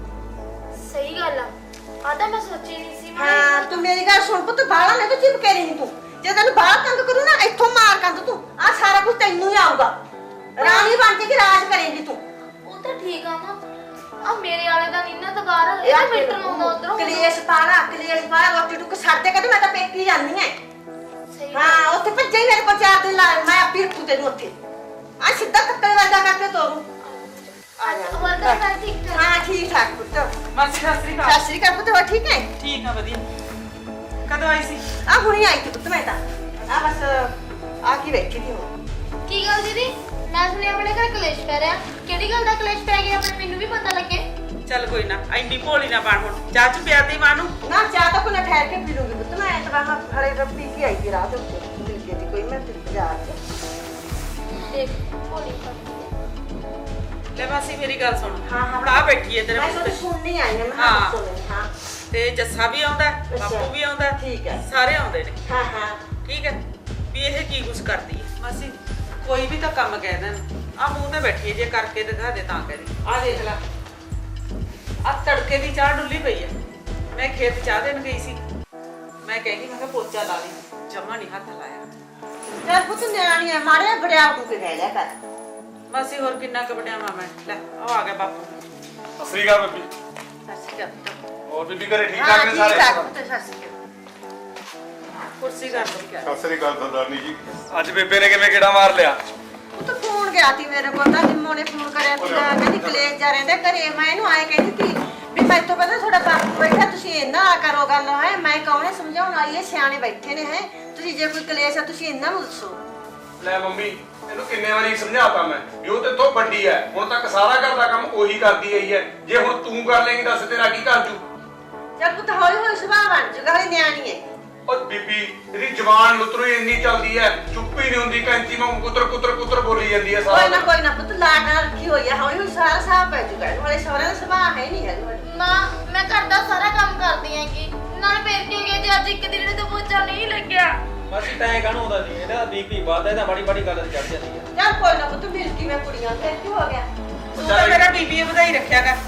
Speaker 3: ਸਹੀ ਗੱਲ ਆ, ਆ ਤਾਂ ਮੈਂ ਸੋਚੀ ਨਹੀਂ ਸੀ ਮਾਂ।
Speaker 5: ਹਾਂ ਤੂੰ ਮੇਰੀ ਗੱਲ ਸੁਣ ਪੁੱਤ, ਬਾਹਲਾ ਨਾ ਤੂੰ ਚਿਪਕੇ ਰਹੀ ਤੂੰ। ਜੇ ਤੈਨੂੰ ਬਾਹਰ ਤੰਗ ਕਰੂ ਨਾ ਇੱਥੋਂ ਮਾਰ ਕੰਧ ਤੂੰ, ਆ ਸਾਰਾ ਕੁਝ ਤੈਨੂੰ ਹੀ ਆਊਗਾ। ਰਾਣੀ ਬਣ ਕੇ ਰਾਜ ਕਰੇਂਗੀ ਤੂੰ।
Speaker 3: ਉਹ ਤਾਂ ਠੀਕ ਆ ਮਾਂ, ਆ ਮੇਰੇ ਵਾਲੇ ਦਾ ਨੀਨਾ ਦਵਾਰ ਇਹ ਮਿੰਟਰ ਨੂੰ ਉਧਰੋਂ
Speaker 5: ਕਲੇਸ਼ ਪਾਣਾ ਕਲੇਸ਼ ਪਾਣਾ ਰੋਟੀ ਟੁੱਕ ਛੱਡ ਕੇ ਤੇ ਮੈਂ ਤਾਂ ਪੇਕੀ ਜਾਂਦੀ ਐ।
Speaker 3: ਸਹੀ
Speaker 5: ਹਾਂ ਉੱਥੇ ਭੱਜੇ ਹੀ ਮੇਰੇ ਕੋਲ ਚਾਰ ਦਿਨ ਲਾ, ਮੈਂ ਆਪੇ ਰੱਖੂ ਤੈਨੂੰ ਉੱਥੇ। ਆ ਸਿੱਧਾ ਕੱਟਣ ਵਾਲਾ ਕਰਕੇ ਤੋਰੂ ਆ ਜਾ।
Speaker 3: ਹੋਰ ਤਾਂ ਸਾਰੇ ਠੀਕ ਠਾਕ।
Speaker 5: ਹਾਂ ਠੀਕ ਠਾਕ ਪੁੱਤ।
Speaker 1: ਮਾਸੀ ਸਤਿ ਸ੍ਰੀ
Speaker 5: ਸਤਿ
Speaker 1: ਅਕਾਲ।
Speaker 5: ਸ਼੍ਰੀ ਅਕਾਲ ਪੁੱਤ, ਹੋਰ ਠੀਕ ਹੈ?
Speaker 1: ਠੀਕ ਆ ਵਧੀਆ। ਕਦੋਂ ਆਈ ਸੀ?
Speaker 5: ਆ ਹੁਣੀ ਆਈ ਸੀ ਪੁੱਤ ਮੈਂ ਤਾਂ। ਆ ਬਸ ਆ ਕੀ ਬੈਠੀ ਸੀ ਹੁਣ।
Speaker 3: ਕੀ ਗੱਲ ਦੀਦੀ, ਮੈਂ ਸੁਣਿਆ ਆਪਣੇ ਘਰ ਕਲੇਸ਼ ਪੈ ਰਿਹਾ। ਕਿਹੜੀ ਗੱਲ ਦਾ ਕਲੇਸ਼ ਪੈ ਗਿਆ ਆਪਣੇ, ਮੈਨੂੰ ਵੀ ਪਤਾ ਲੱਗੇ।
Speaker 1: ਚੱਲ ਕੋਈ ਨਾ, ਐਨੀ ਭੋਲੀ ਨਾ ਬਣ ਹੁਣ। ਚਾਹ ਚ ਪਿਆ ਦੇ ਮਾਂ ਨੂੰ।
Speaker 5: ਨਾ ਚਾਹ ਤਾਂ ਕੋਈ ਨਾ ਠਹਿਰ ਕੇ ਪੀ ਲੂੰਗੀ ਪੁੱਤ, ਮੈਂ ਤਾਂ ਬਾਹਰ ਹਰੇ ਰੱਬੀ ਕੀ ਆਈ ਸੀ ਰਾਹ ਦੇ ਉੱਤੇ ਮਿਲ ਗਈ ਸੀ ਕੋਈ, ਮੈਂ ਤੇ ਬਾਜ਼ਾਰ ਚ।
Speaker 3: ਦੇਖ ਹੋਲੀ ਪੱਕੀ
Speaker 1: ਲੈ ਮਾਸੀ ਮੇਰੀ ਗੱਲ ਸੁਣ।
Speaker 5: ਹਾਂ, ਹਾਂ।
Speaker 1: ਹੁਣ ਆ ਬੈਠੀ ਹੈ ਤੇਰੇ
Speaker 5: ਮੈਂ
Speaker 1: ਮੂੰਹ
Speaker 5: ਤਾਂ
Speaker 1: ਤੇ।
Speaker 5: ਸੁਣਨੀ ਆਈ ਹਾਂ, ਮੈਂ
Speaker 1: ਹਾਂ।
Speaker 5: ਹਾਂ ਸੁਣਨੀ ਹਾਂ।
Speaker 1: ਤੇ ਜੱਸਾ ਵੀ ਆਉਂਦਾ ਹੈ,
Speaker 5: ਅੱਛਾ।
Speaker 1: ਬਾਪੂ ਵੀ ਆਉਂਦਾ ਹੈ,
Speaker 5: ਠੀਕ ਹੈ।
Speaker 1: ਸਾਰੇ ਆਉਂਦੇ ਨੇ।
Speaker 5: ਹਾਂ ਹਾਂ
Speaker 1: ਠੀਕ ਹੈ ਵੀ ਇਹ ਕੀ ਕੁਛ ਕਰਦੀ ਹੈ ਮਾਸੀ। ਕੋਈ ਵੀ ਤਾਂ ਕੰਮ ਕਹਿ ਦੇਣ, ਆ ਮੂੰਹ ਤੇ ਬੈਠੀ ਹੈ, ਜੇ ਕਰਕੇ ਦਿਖਾ ਦੇ ਤਾਂ ਕਰੇ। ਆ ਦੇਖ ਲੈ, ਆ ਤੜਕੇ ਦੀ ਚਾਹ ਡੁੱਲੀ ਪਈ ਹੈ। ਮੈਂ ਖੇਤ ਚਾਹ ਦੇਣ ਗਈ ਸੀ, ਮੈਂ ਕਹਿੰਦੀ ਮੈਂ ਕਿਹਾ ਪੋਚਾ ਲਾ ਲਈ, ਜਮਾ ਨਹੀਂ ਹੱਥ ਲਾਇਆ।
Speaker 5: ਚੱਲ ਪੁੱਤ ਨਿਆਣੀ ਆ, ਮਾਰਿਆ ਬੜਿਆ ਤੂੰ ਕੇ ਰਹਿ ਲਿਆ ਕਰ।
Speaker 1: ਮਾਸੀ ਹੋਰ ਕਿੰਨਾ ਕੁ ਵਡਿਆ ਮੈਂ। ਲੈ ਉਹ ਆ ਗਿਆ ਬਾਪੂ।
Speaker 4: ਸਤਿ ਸ੍ਰੀ ਅਕਾਲ ਬੀਬੀ।
Speaker 5: ਸਤਿ ਸ਼੍ਰੀ ਅਕਾਲ ਪੁੱਤ।
Speaker 4: ਹੋਰ ਬੀਬੀ ਘਰੇ ਠੀਕ
Speaker 5: ਹਾਂ
Speaker 4: ਠਾਕ ਨੇ
Speaker 5: ਠੀਕ
Speaker 4: ਸਾਰੇ?
Speaker 5: ਠਾਕ ਪੁੱਤ, ਸਤਿ ਸ਼੍ਰੀ ਅਕਾਲ।
Speaker 1: ਕੁਰਸੀ ਕਰ ਲਓ।
Speaker 6: ਸਤਿ ਸ੍ਰੀ ਅਕਾਲ ਸਰਦਾਰਨੀ ਜੀ।
Speaker 4: ਅੱਜ ਬੇਬੇ ਨੇ ਕਿਵੇਂ ਗੇੜਾ ਮਾਰ ਲਿਆ?
Speaker 5: ਉਹ ਤਾਂ ਫੋਨ ਗਿਆ ਸੀ ਮੇਰੇ ਕੋਲ, ਤਾਂ ਨਿੰਮੋ ਨੇ ਫੋਨ ਕਰਿਆ ਸੀ, ਕਹਿੰਦੀ ਕਲੇਸ਼ ਜਾ ਰਹਿੰਦੇ ਘਰੇ। ਮੈਂ ਇਹਨੂੰ ਆਏ ਕਹਿੰਦੀ ਸੀ ਵੀ ਮੈਂ ਤੋਂ ਪਹਿਲਾਂ ਤੁਹਾਡਾ ਬਾਪੂ ਬੈਠਾ, ਤੁਸੀਂ ਇੰਨਾ ਨਾ ਕਰੋ ਗੱਲ ਹੈ। ਮੈਂ ਕੌਣੇ ਸਮਝਾਉਣ ਆਈ ਹੈ, ਸਿਆਣੇ ਬੈਠੇ ਨੇ ਹੈ। ਤੁਸੀਂ ਜੇ ਕੋਈ ਕਲੇਸ਼ ਆ ਤੁਸੀਂ ਇਹਨਾਂ ਨੂੰ ਦੱਸੋ।
Speaker 4: ਲੈ ਮੰਮੀ, ਇਹਨੂੰ ਕਿੰਨੇ ਵਾਰੀ ਸਮਝਾਤਾ ਮੈਂ ਵੀ ਉਹ ਤੇ ਤੋਂ ਵੱਡੀ ਐ, ਹੁਣ ਤੱਕ ਸਾਰਾ ਘਰ ਦਾ ਕੰਮ ਉਹੀ ਕਰਦੀ ਆਈ ਐ। ਜੇ ਹੁਣ ਤੂੰ ਕਰ ਲੇਂਗੀ ਦੱਸ ਤੇਰਾ ਕੀ ਕਰ ਜੂ?
Speaker 5: ਚੱਲ ਪੁੱਤ ਹੌਲੀ ਹੌਲੀ ਸੁਭਾਅ ਬਣ ਜੂਗਾ, ਹਲੇ ਨਿਆਣੀ ਹੈ।
Speaker 4: ਉਹ ਬੀਬੀ ਇਹਦੀ ਜ਼ਬਾਨ ਲੁਤਰੋ ਇੰਨੀ ਚੱਲਦੀ ਐ, ਚੁੱਪ ਹੀ ਨਹੀਂ ਹੁੰਦੀ। ਕੈਂਚੀ ਵਾਂਗ ਕੁਤਰ ਕੁਤਰ ਕੁਤਰ ਬੋਲੀ ਜਾਂਦੀ ਐ ਸਾਰਾ
Speaker 5: ਕੋਈ ਨਾ
Speaker 4: ਦਿਨ।
Speaker 5: ਕੋਈ ਨਾ ਪੁੱਤ, ਲਾਡ ਨਾਲ ਰੱਖੀ ਹੋਈ ਹੈ, ਹੌਲੀ ਹੌਲੀ ਸਾਰਾ ਸਾਹ ਪੈ ਜੂਗਾ। ਹੌਲੀ ਸਹੁਰੇ ਦਾ ਸੁਭਾਅ ਹੈ ਨਹੀਂ ਹੈ ਤੁਹਾਡਾ।
Speaker 3: ਮਾਂ ਮੈਂ ਘਰ ਦਾ ਸਾਰਾ ਕੰਮ ਕਰਦੀ ਆਂਗੀ, ਨਾਲ ਫੇਰ ਕੀ ਹੋ ਗਿਆ ਜੇ ਅੱਜ ਇੱਕ ਦਿਨ ਨੇ ਤਾਂ ਪੋਚਾ ਨਹੀਂ ਲੱਗਿਆ।
Speaker 2: ਮਾਸੀ ਤੈਂ ਕਾਹਨੂੰ ਹੁੰਦਾ ਸੀ? ਇਹਦਾ ਬੀਪੀ ਵੱਧਦਾ, ਇਹਦਾ ਮਾੜੀ ਮਾੜੀ ਗੱਲ ਤੇ ਚੜ ਜਾਂਦੀ ਹੈ।
Speaker 5: ਚੱਲ ਕੋਈ ਨਾ ਪੁੱਤ, ਮਿਲ ਕਿਵੇਂ ਕੁੜੀਆਂ ਤੇ ਕੀ ਹੋ ਗਿਆ?
Speaker 1: ਤੂੰ ਤਾਂ ਮੇਰਾ ਬੀਬੀ ਵਧਾਈ ਰੱਖਿਆ ਕਰ।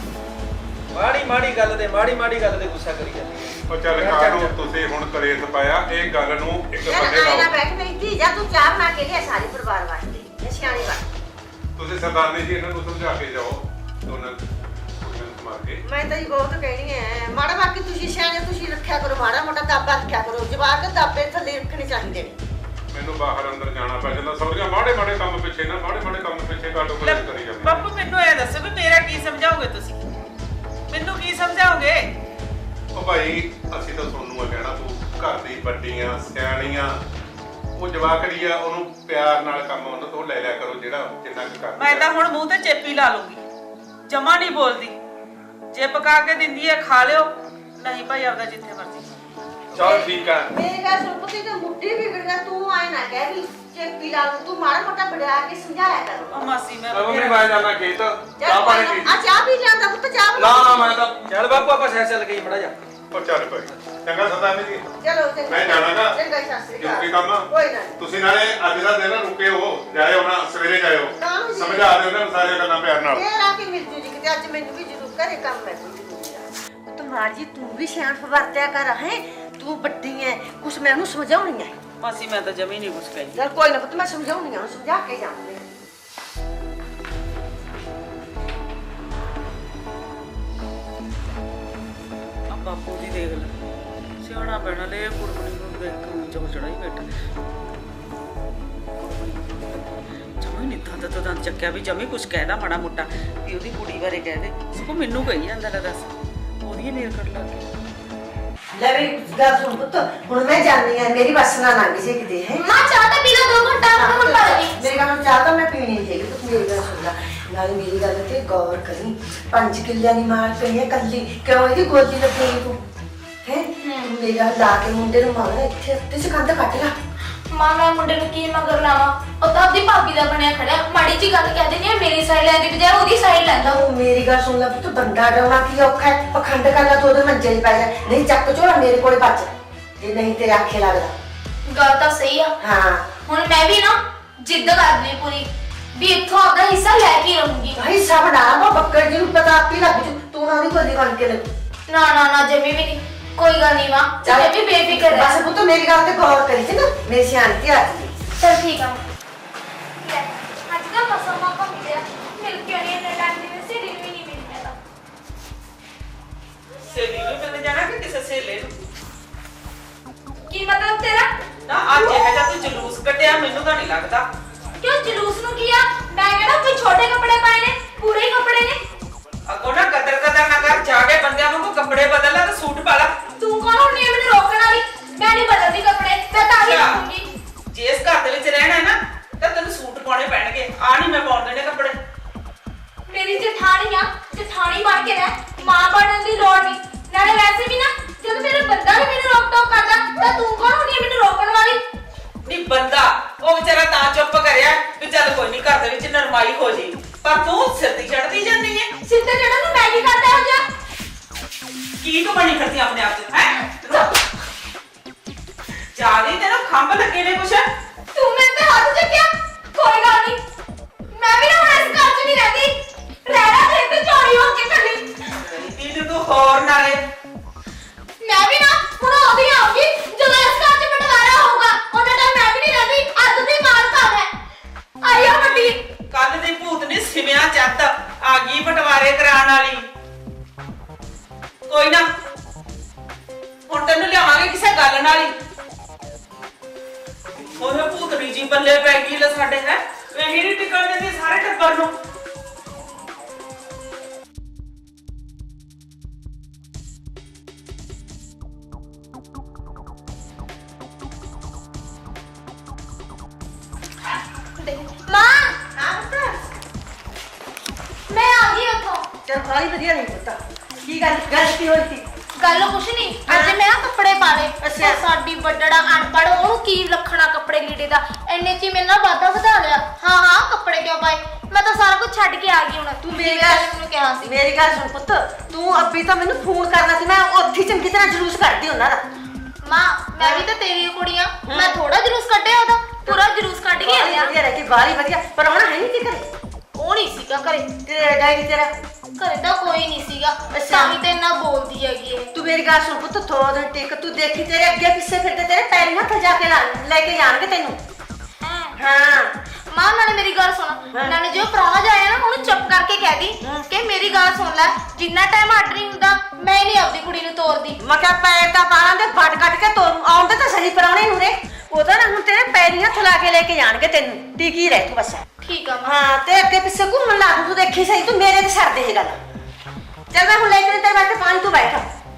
Speaker 2: ਮਾੜੀ ਮਾੜੀ ਗੱਲ ਤੇ ਮਾੜੀ ਮਾੜੀ ਗੱਲ ਤੇ ਗੁੱਸਾ ਕਰੀ ਜਾਂਦੀ ਹੈ।
Speaker 6: ਉਹ ਚੱਲ ਕਾਹਨੂੰ ਤੁਸੀਂ ਹੁਣ ਕਲੇਸ਼ ਪਾਇਆ, ਇਹ ਗੱਲ ਨੂੰ ਇੱਕ
Speaker 5: ਯਾਰ
Speaker 6: ਬੰਦੇ
Speaker 5: ਆਏ ਨਾ
Speaker 6: ਲਾਓ।
Speaker 5: ਬੈਠ ਮੇਰੀ ਧੀ, ਜਾ ਤੂੰ ਚਾਹ ਬਣਾ ਕੇ ਲਿਆ ਸਾਰੇ ਪਰਿਵਾਰ ਵਾਸਤੇ, ਇਹ ਸਿਆਣੀ ਬਾਤ।
Speaker 6: ਤੁਸੀਂ ਸਰਦਾਰਨੀ ਜੀ ਇਹਨਾਂ ਨੂੰ ਸਮਝਾ ਕੇ ਜਾਓ, ਦੋਨਾਂ ਕੁੜੀਆਂ ਨੂੰ ਮਾਰ ਕੇ।
Speaker 5: ਮੈਂ ਤਾਂ ਜੀ ਬਹੁਤ ਕਹਿਣੀ ਹੈ, ਮਾੜਾ ਬਾਕੀ ਤੁਸੀਂ ਸਿਆਣੇ, ਤੁਸੀਂ ਰੱਖਿਆ ਕਰੋ ਮਾੜਾ ਮੋਟਾ ਦਾਬਾ ਰੱਖਿਆ ਕਰੋ। ਜਵਾਕ ਦਾਬੇ ਥੱਲੇ ਰੱਖਣੇ ਚਾਹੀਦੇ ਨੇ।
Speaker 6: ਮੈਨੂੰ ਬਾਹਰ ਅੰਦਰ ਜਾਣਾ ਪੈ ਜਾਂਦਾ, ਸੌਰੀਆਂ ਮਾੜੇ ਮਾੜੇ ਕੰਮ ਪਿੱਛੇ ਨਾ ਮਾੜੇ ਮਾੜੇ ਕੰਮ ਪਿੱਛੇ ਕਾਟੋ
Speaker 1: ਲੈ,
Speaker 6: ਕਲੇਸ਼ ਕਰੀ ਜਾਂਦੇ।
Speaker 1: ਬਾਪੂ ਮੈਨੂੰ ਇਹ ਦੱਸੋ ਵੀ ਮੇਰਾ ਕੀ ਸਮਝਾਓਗੇ ਤੁਸੀਂ? ਮੈਨੂੰ ਕੀ ਸਮਝਾਓਗੇ?
Speaker 6: ਉਹ ਭਾਈ ਅਸੀਂ ਤਾਂ ਤੁਹਾਨੂੰ ਆ ਕਹਿਣਾ, ਤੂੰ ਘਰ ਦੀ ਵੱਡੀਆਂ ਸਿਆਣੀਆਂ, ਉਹ ਜਵਾਕੜੀ ਆ, ਉਹਨੂੰ ਪਿਆਰ ਨਾਲ ਕੰਮ ਉਹਨਾਂ ਤੋਂ ਲੈ ਲਿਆ ਕਰੋ ਜਿਹੜਾ ਜਿੰਨਾ ਕੁ ਕਰਦਾ।
Speaker 1: ਮੈਂ ਤਾਂ ਹੁਣ ਮੂੰਹ ਤੇ ਚੇਪੀ ਲਾ ਲੂੰਗੀ, ਜਮਾ ਨਹੀਂ ਬੋਲਦੀ। ਜੇ ਪਕਾ ਕੇ ਦਿੰਦੀ ਹੈ ਖਾ ਲਿਓ, ਨਹੀਂ ਭਾਈ ਆਪਦਾ ਜਿੱਥੇ ਮਰਜ਼ੀ।
Speaker 4: ਚੱਲ ਠੀਕ ਐ।
Speaker 5: ਮੇਰੀ ਗੱਲ ਸੁਣ ਪੁੱਤੀ, ਤੇ ਮੁੱਢੀ ਵੀ ਵਿਗੜਦਾ, ਤੂੰ ਆਏ ਨਾ ਕਹਿ ਵੀ ਚੇਪੀ ਲਾ ਲੂੰ। ਤੂੰ ਮਾੜਾ ਮੋਟਾ ਵਡਿਆ ਕੇ ਸਮਝਾਇਆ ਕਰ।
Speaker 1: ਉਹ ਮਾਸੀ ਮੈਂ
Speaker 4: ਮੰਮੀ ਮੈਂ ਜਾਣਾ ਖੇਤ, ਚਾਹ
Speaker 5: ਚੱਲ
Speaker 4: ਪਾਣੀ
Speaker 5: ਕੋਈ
Speaker 4: ਪੀ।
Speaker 5: ਨਾ, ਆ ਚਾਹ ਵੀ ਲਿਆਂਦਾ ਪੁੱਤ, ਚਾਹ
Speaker 4: ਨਾ
Speaker 5: ਬਣਾ।
Speaker 4: ਨਾ ਮੈਂ ਤਾਂ
Speaker 2: ਚੱਲ ਬਾਪੂ ਆਪਾਂ ਸ਼ਹਿਰ ਚੱਲ ਗਈ ਮੜਾ ਜਾ।
Speaker 6: ਉਹ ਚੱਲ ਭਾਈ ਚੰਗਾ ਸਰਦਾਰਨੀ ਜੀ,
Speaker 5: ਚਲੋ ਚੰਗਾ।
Speaker 6: ਮੈਂ ਜਾਣਾਗਾ।
Speaker 5: ਚੰਗਾ ਜੀ, ਸਤਿ ਸ਼੍ਰੀ ਅਕਾਲ।
Speaker 6: ਜ਼ਰੂਰੀ ਕੰਮ ਆ।
Speaker 5: ਕੋਈ ਨਾ।
Speaker 6: ਤੁਸੀਂ ਨਾਲੇ ਅੱਜ ਦਾ ਦਿਨ ਰੁਕੇ ਹੋ, ਜਾਇਓ ਨਾ ਸਵੇਰੇ ਜਾਇਓ,
Speaker 5: ਕਾਹਨੂੰ ਜੀ?
Speaker 6: ਸਮਝਾ ਦਿਓ ਉਹਨਾਂ ਨੂੰ ਸਾਰੀਆਂ ਗੱਲਾਂ ਪਿਆਰ ਨਾਲ।
Speaker 5: ਫੇਰ ਆ ਕੇ ਮਿਲ ਜੂ ਜੀ ਕਿਤੇ, ਅੱਜ ਮੈਨੂੰ ਵੀ ਜ਼ਰੂਰ ਘਰੇ ਕੰਮ ਹੈ ਕੋਈ ਜ਼ਰੂਰੀ ਆ। ਤੂੰ ਮਾਰ ਜੀ, ਤੂੰ ਵੀ ਸਿਆਣਪ ਵਰਤਿਆ ਕਰ ਹੈ। ਤੂੰ ਵੱਡੀ ਹੈ, ਕੁਛ ਮੈਂ ਉਹਨੂੰ ਸਮਝਾਉਣੀ ਹੈ।
Speaker 1: ਮਾਸੀ ਮੈਂ ਤਾਂ ਜਮੀ ਨਹੀਂ ਕੁਛ ਕਹਿੰਦੀ।
Speaker 5: ਚੱਲ ਕੋਈ ਨਾ ਪੁੱਤ, ਮੈਂ ਸਮਝਾਉਣੀ ਆ, ਉਹਨੂੰ ਸਮਝਾ ਕੇ ਜਾਵਾਂਗੇ।
Speaker 1: ਆ ਬਾਪੂ ਦੀ ਦੇਖ ਲੈ, ਸਿਆਣਾ ਬਣਾ ਲੈ ਕੁੜਮਣੀ ਨੂੰ ਦੇਖ ਕੇ ਉੱਚਾ ਚੜਾਈ ਬੈਠਾ। ਜਮੀ ਨਹੀਂ ਤਾਂ ਤਾਂ ਤਾਂ ਚੱਕਿਆ ਵੀ ਜਮੀ ਕੁਛ ਕਹਿਦਾ ਮਾੜਾ ਮੋਟਾ ਵੀ ਉਹਦੀ ਕੁੜੀ ਬਾਰੇ ਕਹਿ ਦੇ। ਸਗੋਂ ਮੈਨੂੰ ਕਹੀ ਜਾਂਦਾ ਲੈ ਦੱਸ, ਉਹਦੀ ਮੇਰ ਕੱਢ ਲਾ ਕੇ।
Speaker 5: ਲੈ ਵੀ ਗੱਲ ਸੁਣ ਪੁੱਤ, ਹੁਣ ਮੈਂ ਜਾਣੀ ਆ, ਮੇਰੀ ਬੱਸ ਨਾ ਲੰਘ ਜੇ ਕਿਤੇ ਹੈ।
Speaker 3: ਮਾਂ ਚਾਹ ਤਾਂ ਪੀ ਲਓ, ਦੋ ਘੰਟਾ ਹੁਣ ਪੜ ਗਈ।
Speaker 5: ਮੇਰੀ ਗੱਲ ਚਾਹ ਤਾਂ ਮੈਂ ਪੀਣੀ ਨਹੀਂ ਹੈਗੀ, ਤੂੰ ਮੇਰੀ ਗੱਲ ਸੁਣ ਲੈ। ਨਾਲੇ ਮੇਰੀ ਗੱਲ ਤੇ ਗੌਰ ਕਰੀ, ਪੰਜ ਕਿੱਲਿਆਂ ਦੀ ਮਾਰ ਪਈ ਹੈ ਕੱਲੀ, ਕਿਉਂ ਇਹਦੀ ਗੋਦੀ ਲੱਗੀ ਤੂੰ ਹੈ? ਮੇਰਾ ਲਾ ਕੇ ਮੁੰਡੇ ਨੂੰ ਮਾਰ ਇੱਥੇ ਉੱਤੇ ਸੇ ਕੰਧ ਕੱਟ ਲਾ।
Speaker 3: ਮਾਂ ਮੈਂ ਮੁੰਡੇ ਨੂੰ ਕੀ ਮਗਰ ਲਾਵਾਂ? ਉਹ ਤਾਂ ਆਪਦੀ ਭਾਬੀ ਦਾ ਬਣਿਆ ਖੜਿਆ, ਮਾੜੀ ਜੀ ਗੱਲ ਕਹਿ ਦਿੰਦੀ ਆ ਮੇਰੀ ਸਾਈਡ ਲੈਣ ਦੀ ਬਜਾਏ ਉਹਦੀ ਸਾਈਡ ਲੈਂਦਾ।
Speaker 5: ਉਹ ਮੇਰੀ ਗੱਲ ਸੁਣ ਲੈ ਪੁੱਤ, ਬੰਦਾ ਡਾਉਣਾ ਕੀ ਔਖਾ ਹੈ? ਪਖੰਡ ਕਰਨਾ ਤੂੰ ਉਹਦੇ ਮੰਜੇ 'ਚ ਪੈ ਜਾ, ਨਹੀਂ ਚੱਕ ਝੋਲਾ ਮੇਰੇ ਕੋਲੇ ਬਚ ਜੇ ਨਹੀਂ ਤੇਰੇ ਆਖੇ ਲੱਗਦਾ।
Speaker 3: ਗੱਲ ਤਾਂ ਸਹੀ ਆ।
Speaker 5: ਹਾਂ
Speaker 3: ਹੁਣ ਮੈਂ ਵੀ ਨਾ ਜਿੱਦ ਕਰਦੀ ਪੂਰੀ ਵੀ ਇੱਥੋਂ ਆਪਦਾ ਹਿੱਸਾ ਲੈ ਕੇ ਰਹੂੰਗੀ।
Speaker 5: ਭਾਈ ਸਭ ਨਾ ਉਹ ਬੱਕਰ ਜੀ ਨੂੰ ਪਤਾ ਆਪੀ ਲੱਗ ਜੂ, ਤੂੰ ਨਾ ਉਹਦੀ ਕੋਲੀ ਬਣ ਕੇ ਲੱਗੀ।
Speaker 3: ਨਾ ਨਾ ਨਾ ਜਮੀ ਵੀ ਨਹੀਂ, ਕੋਈ ਗੱਲ ਨਹੀਂ ਮਾਂ,
Speaker 5: ਚੱਲ।
Speaker 3: ਜਮੀ ਬੇਫਿਕਰ
Speaker 5: ਬਸ
Speaker 3: ਰਹਿ।
Speaker 5: ਪੁੱਤ ਮੇਰੀ ਗੱਲ ਤੇ ਗੌਰ ਕਰੀ ਸੀ ਨਾ, ਮੇਰੀ ਸਿਆਣਤੀ ਆ ਗਈ।
Speaker 3: ਚਲ ਠੀਕ ਆ। ਲੈ ਅੱਜ ਦਾ ਮਸਾ ਮੌਕਾ ਮਿਲਿਆ, ਮਿਲ ਕੇ ਨਹੀਂ ਇੰਨੇ ਟਾਈਮ ਦੀ ਵੈਸੇ ਦਿਨ ਵੀ ਨਹੀਂ ਮਿਲ ਪੈਦਾ।
Speaker 1: ਸਹੇਲੀ ਨੂੰ ਮਿਲਣ ਜਾਣਾ ਕਿ ਕਿਸੇ ਸਹੇਲੇ ਨੂੰ?
Speaker 3: ਕੀ ਮਤਲਬ ਤੇਰਾ?
Speaker 1: ਨਾ ਅੱਜ ਇਹ ਜਿਹਾ ਤੂੰ ਜਲੂਸ ਕੱਢਿਆ, ਮੈਨੂੰ ਤਾਂ ਨਹੀਂ ਲੱਗਦਾ।
Speaker 3: ਕਿਉਂ ਜਲੂਸ ਨੂੰ ਕੀ ਆ? ਮੈਂ ਕਿਹੜਾ ਕੋਈ ਛੋਟੇ ਕੱਪੜੇ ਪਾਏ ਨੇ, ਪੂਰੇ ਹੀ ਕੱਪੜੇ ਨੇ।
Speaker 1: ਅੱਗੋਂ ਨਾ ਕਦਰ ਕਦਰ ਨਾ ਕਰ, ਜਾ ਕੇ ਬੰਦਿਆਂ ਵਾਂਗੂ ਕੱਪੜੇ ਬਦਲ ਲੈ ਤੇ ਸੂਟ ਪਾ ਲੈ।
Speaker 3: ਤੂੰ ਕੌਣ ਹੁੰਦੀ ਹੈ ਮੈਨੂੰ ਰੋਕਣ ਵਾਲੀ? ਮੈਂ ਨਹੀਂ ਬਦਲਦੀ ਕੱਪੜੇ, ਮੈਂ ਤਾਂ ਹੀ
Speaker 1: ਅੱਛਾ।
Speaker 3: ਰੱਖੂੰਗੀ।
Speaker 1: ਜੇ ਇਸ ਘਰ ਦੇ ਵਿੱਚ ਰਹਿਣਾ ਹੈ ਨਾ ਤਾਂ ਤੈਨੂੰ ਸੂਟ ਪਾਉਣੇ ਪੈਣਗੇ, ਆ ਨਹੀਂ ਮੈਂ ਪਾਉਣ ਦੇਣੇ ਕੱਪੜੇ।
Speaker 3: ਮੇਰੀ ਜਠਾਣੀ ਆ, ਜਠਾਣੀ ਬਣ ਕੇ ਰਹਿ, ਮਾਂ ਬਣਨ ਦੀ ਲੋੜ ਨਹੀਂ। ਨਾਲੇ ਵੈਸੇ ਵੀ ਨਾ ਜਦੋਂ ਮੇਰਾ ਬੰਦਾ ਵੀ ਮੈਨੂੰ ਰੋਕ ਟੋਕ ਕਰਦਾ ਤਾਂ ਤੂੰ ਕੌਣ ਹੁੰਦੀ ਹੈ ਮੈਨੂੰ ਰੋਕਣ ਵਾਲੀ?
Speaker 1: ਨਹੀਂ ਬੰਦਾ ਉਹ ਵਿਚਾਰਾ ਤਾਂ ਚੁੱਪ ਕਰਿਆ ਵੀ ਚੱਲ ਕੋਈ ਨਹੀਂ ਘਰ ਦੇ ਵਿੱਚ ਨਰਮਾਈ ਹੋ ਜੀ, ਪਰ ਤੂੰ ਸਿਰ ਦੀ ਚੜਦੀ ਜਾਂਦੀ ਹੈ।
Speaker 3: ਸਿੱਧੇ ਜਿਹੜਾ ਨੂੰ ਮੈਂ ਕੀ ਕਰਦਾ ਹੋ ਜਾ?
Speaker 1: ਕੀ ਤੂੰ ਬਣੀ ਫਿਰਦੀ ਆਪਣੇ ਆਪ ਤੇ ਹੈ? ਜਾਲੀ ਤੈਨੂੰ ਖੰਭ ਲੱਗੇ ਨੇ ਕੁਛ?
Speaker 3: ਤੂੰ ਮੇਰੇ ਤੇ ਹੱਥ ਚੱਕਿਆ? ਕੋਈ ਗੱਲ ਨਹੀਂ, ਮੈਂ ਵੀ ਨਾ ਹੁਣ ਇਸ ਘਰ 'ਚ ਨਹੀਂ ਰਹਿੰਦੀ। ਰਹਿਣਾ ਤੇ ਇੱਥੇ ਚੋਰੀ ਹੋ ਕੇ ਕੱਲੀ।
Speaker 1: ਤੀਨ ਤੂੰ ਹੋਰ ਨਾਲੇ
Speaker 3: ਮੈਂ ਵੀ ਨਾ ਹੁਣ ਉਹਦੀ ਆਉਂਗੀ ਜਦੋਂ ਇਸ ਘਰ 'ਚ ਬਟਵਾਰਾ ਹੋਊਗਾ, ਉਹਨਾਂ ਟਾਈਮ ਮੈਂ ਵੀ ਨਹੀਂ ਰਹਿੰਦੀ। ਅੱਧ ਦੀ ਮਾਰ ਕਰ ਹੈ ਆਈ ਆ ਵੱਡੀ।
Speaker 1: ਕੱਲ ਦੀ ਭੂਤ ਨੇ ਸਿਵਿਆਂ ਚੱਤ ਆ ਗਈ ਬਟਵਾਰੇ ਕਰਾਉਣ ਵਾਲੀ। ਕੋਈ ਨਾ ਹੁਣ ਤੈਨੂੰ ਲਿਆਵਾਂਗੇ ਕਿਸੇ ਗੱਲ ਨਾਲ ਹੀ। ਉਹ ਭੂਤੜੀ ਜੀ ਬੱਲੇ ਪੈ ਗਈ ਲੈ ਸਾਡੇ ਹੈ, ਇਹੀ ਨਹੀਂ ਟਿਕਣ ਦਿੰਦੀ ਸਾਰੇ ਟੱਬਰ ਨੂੰ।
Speaker 3: ਮਾਂ
Speaker 5: ਹਾਂ ਪੁੱਤ
Speaker 3: ਮੈਂ ਆ ਗਈ ਉੱਥੋਂ।
Speaker 5: ਚਲ ਬਾਲੀ ਵਧੀਆ ਨਹੀਂ ਪੁੱਤ, ਕੀ ਗੱਲ ਗੱਲ ਕੀ ਹੋਈ ਸੀ?
Speaker 3: ਗੱਲ ਕੁਛ ਨਹੀਂ, ਅੱਜ ਮੈਂ ਨਾ ਕੱਪੜੇ ਪਾ ਲਏ।
Speaker 5: ਅੱਛਾ।
Speaker 3: ਉਹ ਸਾਡੀ ਵੱਡੜਾ ਅਨਪੜ੍ਹ, ਉਹਨੂੰ ਕੀ ਲੱਖਣਾ ਕੱਪੜੇ ਲੀੜੇ ਦਾ, ਇੰਨੇ ਚ ਹੀ ਮੇਰੇ ਨਾਲ ਵਾਧਾ ਵਧਾ ਲਿਆ। ਹਾਂ ਹਾਂ ਕੱਪੜੇ ਕਿਉਂ ਪਾਏ? ਮੈਂ ਤਾਂ ਸਾਰਾ ਕੁਝ ਛੱਡ ਕੇ ਆ ਗਈ ਹੁਣ।
Speaker 5: ਤੂੰ ਮੇਰੀ
Speaker 3: ਜਿਵੇਂ
Speaker 5: ਗੱਲ
Speaker 3: ਮੈਨੂੰ ਕਿਹਾ ਸੀ।
Speaker 5: ਮੇਰੀ ਗੱਲ ਸੁਣ ਪੁੱਤ, ਤੂੰ ਅੱਬੀ ਤਾਂ ਮੈਨੂੰ ਫੋਨ ਕਰਨਾ ਸੀ, ਮੈਂ ਉੱਥੇ ਚੰਗੀ ਤਰ੍ਹਾਂ ਜਲੂਸ ਕੱਢਦੀ ਉਹਨਾਂ ਦਾ।
Speaker 3: ਮਾਂ ਮੈਂ ਵੀ ਤਾਂ ਤੇਰੀ ਕੁੜੀ ਆ, ਮੈਂ ਥੋੜਾ ਜਲੂਸ ਕੱਢਿਆ ਉਹਦਾ, ਪੂਰਾ ਜਲੂਸ ਕੱਢ ਕੇ
Speaker 5: ਬਾਹਲੀ
Speaker 3: ਆਇਆ।
Speaker 5: ਵਧੀਆ ਰਹਿ ਗਈ, ਬਾਹਲੀ ਵਧੀਆ। ਪਰ ਹੁਣ ਹੈ ਨਹੀਂ ਤੇ ਘਰੇ,
Speaker 3: ਉਹ ਨਹੀਂ ਸੀਗਾ ਘਰੇ।
Speaker 5: ਤੇਰੇ ਡੈਡੀ ਤੇਰਾ
Speaker 3: ਘਰੇ ਤਾਂ ਕੋਈ ਨਹੀਂ ਸੀਗਾ, ਤਾਂ ਹੀ ਤੇ ਇੰਨਾ ਬੋਲਦੀ ਹੈਗੀ ਇਹ।
Speaker 5: ਤੂੰ ਮੇਰੀ ਗੱਲ ਸੁਣ ਪੁੱਤ, ਥੋੜਾ ਦਿਨ ਟਿਕ, ਤੂੰ ਦੇਖੀ ਤੇਰੇ ਅੱਗੇ ਪਿੱਛੇ ਫਿਰਦੇ ਤੇਰੇ ਪੈਰੀਂ ਹੱਥ ਜਾ ਕੇ ਲਾ- ਲੈ ਕੇ ਜਾਣਗੇ ਤੈਨੂੰ।
Speaker 3: ਹੈਂ।
Speaker 5: ਹਾਂ
Speaker 3: ਮਾਂ ਨਾਲੇ ਮੇਰੀ ਗੱਲ ਸੁਣ, ਨਾਲੇ ਜੋ ਪ੍ਰਾਹੁਣਾ ਜਾਇਆ ਨਾ ਉਹਨੂੰ ਚੁੱਪ ਕਰਕੇ ਕਹਿ ਦੀ ਕਿ ਮੇਰੀ ਗੱਲ ਸੁਣ ਲੈ, ਜਿੰਨਾ ਟਾਈਮ ਅੱਡ ਨਹੀਂ ਹੁੰਦਾ ਮੈਂ ਨਹੀਂ ਆਪਦੀ ਕੁੜੀ ਨੂੰ ਤੋਰਦੀ।
Speaker 5: ਮੈਂ ਕਿਹਾ ਪੈਰ ਤਾਂ ਬਾਲਾਂ ਦੇ ਵੱਟ ਕੱਟ ਕੇ ਤੋਰੂ, ਆਉਂਦੇ ਤਾਂ ਸਹੀ ਪਰਾਉਣੇ ਨੂੰ ਰੇ। ਉਹਦਾ ਨਾ ਹੁਣ ਤੇਰੇ ਪੈਰੀਂ ਹੱਥ ਲਾ ਕੇ ਲੈ ਕੇ ਜਾਣਗੇ ਤੈਨੂੰ, ਟਿਕੀ ਰਹਿ ਤੂੰ ਬਸ।
Speaker 3: ਠੀਕ ਆ ਮਾਂ।
Speaker 5: ਹਾਂ ਤੇ ਅੱਗੇ ਪਿੱਛੇ ਘੁੰਮਣ ਲੱਗ, ਤੂੰ ਦੇਖੀ ਸਹੀ, ਤੂੰ ਮੇਰੇ ਤੇ ਛੱਡ ਦੇ ਇਹ ਗੱਲ। ਚੱਲ ਮੈਂ ਹੁਣ ਲੈ ਕੇ ਤੇਰੇ ਵਾਸਤੇ ਪਾਣੀ, ਤੂੰ ਬੈਠ।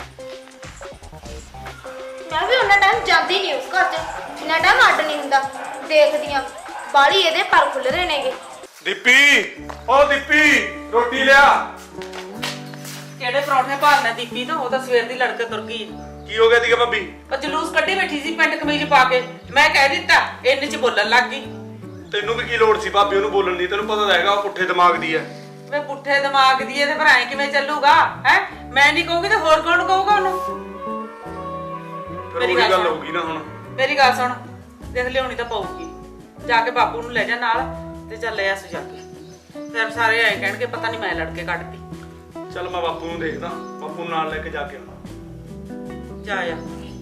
Speaker 3: ਮੈਂ ਵੀ ਉਹਨਾਂ ਟਾਈਮ ਜਾਂਦੀ ਨਹੀਂ ਉਸ ਘਰ 'ਚ ਜਿੰਨਾ ਟਾਈਮ ਅੱਡ ਨਹੀਂ ਹੁੰਦਾ। ਦੇਖਦੀ ਆ ਬਾਲੀ ਇਹਦੇ ਪਰ ਖੁੱਲ ਰਹੇ ਨੇਗੇ।
Speaker 4: ਦੀਪੀ ਓ ਦੀਪੀ ਰੋਟੀ ਲਿਆ।
Speaker 1: ਕਿਹੜੇ ਪਰੌਂਠੇ ਭਾਲਣਾ ਦੀਪੀ ਤਾਂ, ਉਹ ਤਾਂ ਸਵੇਰ ਦੀ ਲੜਕੇ ਤੁਰ ਗਈ।
Speaker 4: ਕੀ ਹੋ ਗਿਆ ਦੀਗਾ ਭਾਬੀ?
Speaker 1: ਉਹ ਜਲੂਸ ਕੱਢੀ ਬੈਠੀ ਸੀ ਪੈਂਟ ਕਮੀਜ਼ ਪਾ ਕੇ, ਮੈਂ ਕਹਿ ਦਿੱਤਾ ਇੰਨੇ ਚ ਬੋਲਣ ਲੱਗ ਗਈ।
Speaker 4: ਤੈਨੂੰ ਵੀ ਕੀ ਲੋੜ ਸੀ ਭਾਬੀ ਉਹਨੂੰ ਬੋਲਣ ਦੀ? ਤੈਨੂੰ ਪਤਾ ਤਾਂ ਹੈਗਾ ਉਹ ਪੁੱਠੇ ਦਿਮਾਗ ਦੀ ਐ।
Speaker 1: ਵੇ ਪੁੱਠੇ ਦਿਮਾਗ ਦੀ ਇਹਦੇ ਪਰ ਐ ਕਿਵੇਂ ਚੱਲੂਗਾ ਹੈ? ਮੈਂ ਨਹੀਂ ਕਹੂੰਗੀ ਤੇ ਹੋਰ ਕੌਣ ਕਹੂਗਾ ਉਹਨੂੰ?
Speaker 4: ਫਿਰ
Speaker 1: ਮੇਰੀ
Speaker 4: ਉਹੀ
Speaker 1: ਗੱਲ
Speaker 4: ਗੱਲ
Speaker 1: ਸੁਣ।
Speaker 4: ਹੋਊਗੀ ਨਾ ਹੁਣ।
Speaker 1: ਮੇਰੀ ਗੱਲ ਸੁਣ, ਦੇਖ ਲਿਆਉਣੀ ਤਾਂ ਪਊਗੀ, ਜਾ ਕੇ ਬਾਪੂ ਨੂੰ ਲੈ ਜਾ ਨਾਲ ਤੇ ਚੱਲ ਲੈ ਆਸੂ ਜਾ ਕੇ। ਫਿਰ ਸਾਰੇ ਐ ਕਹਿਣਗੇ ਪਤਾ ਨਹੀਂ ਮੈਂ ਲੜ ਕੇ ਕੱਢਤੀ।
Speaker 4: ਚੱਲ ਮੈਂ ਬਾਪੂ ਨੂੰ ਦੇਖਦਾ, ਬਾਪੂ ਨੂੰ ਨਾਲ ਲੈ ਕੇ ਜਾ ਕੇ ਆਉਣਾ।
Speaker 1: ਜਾ ਆ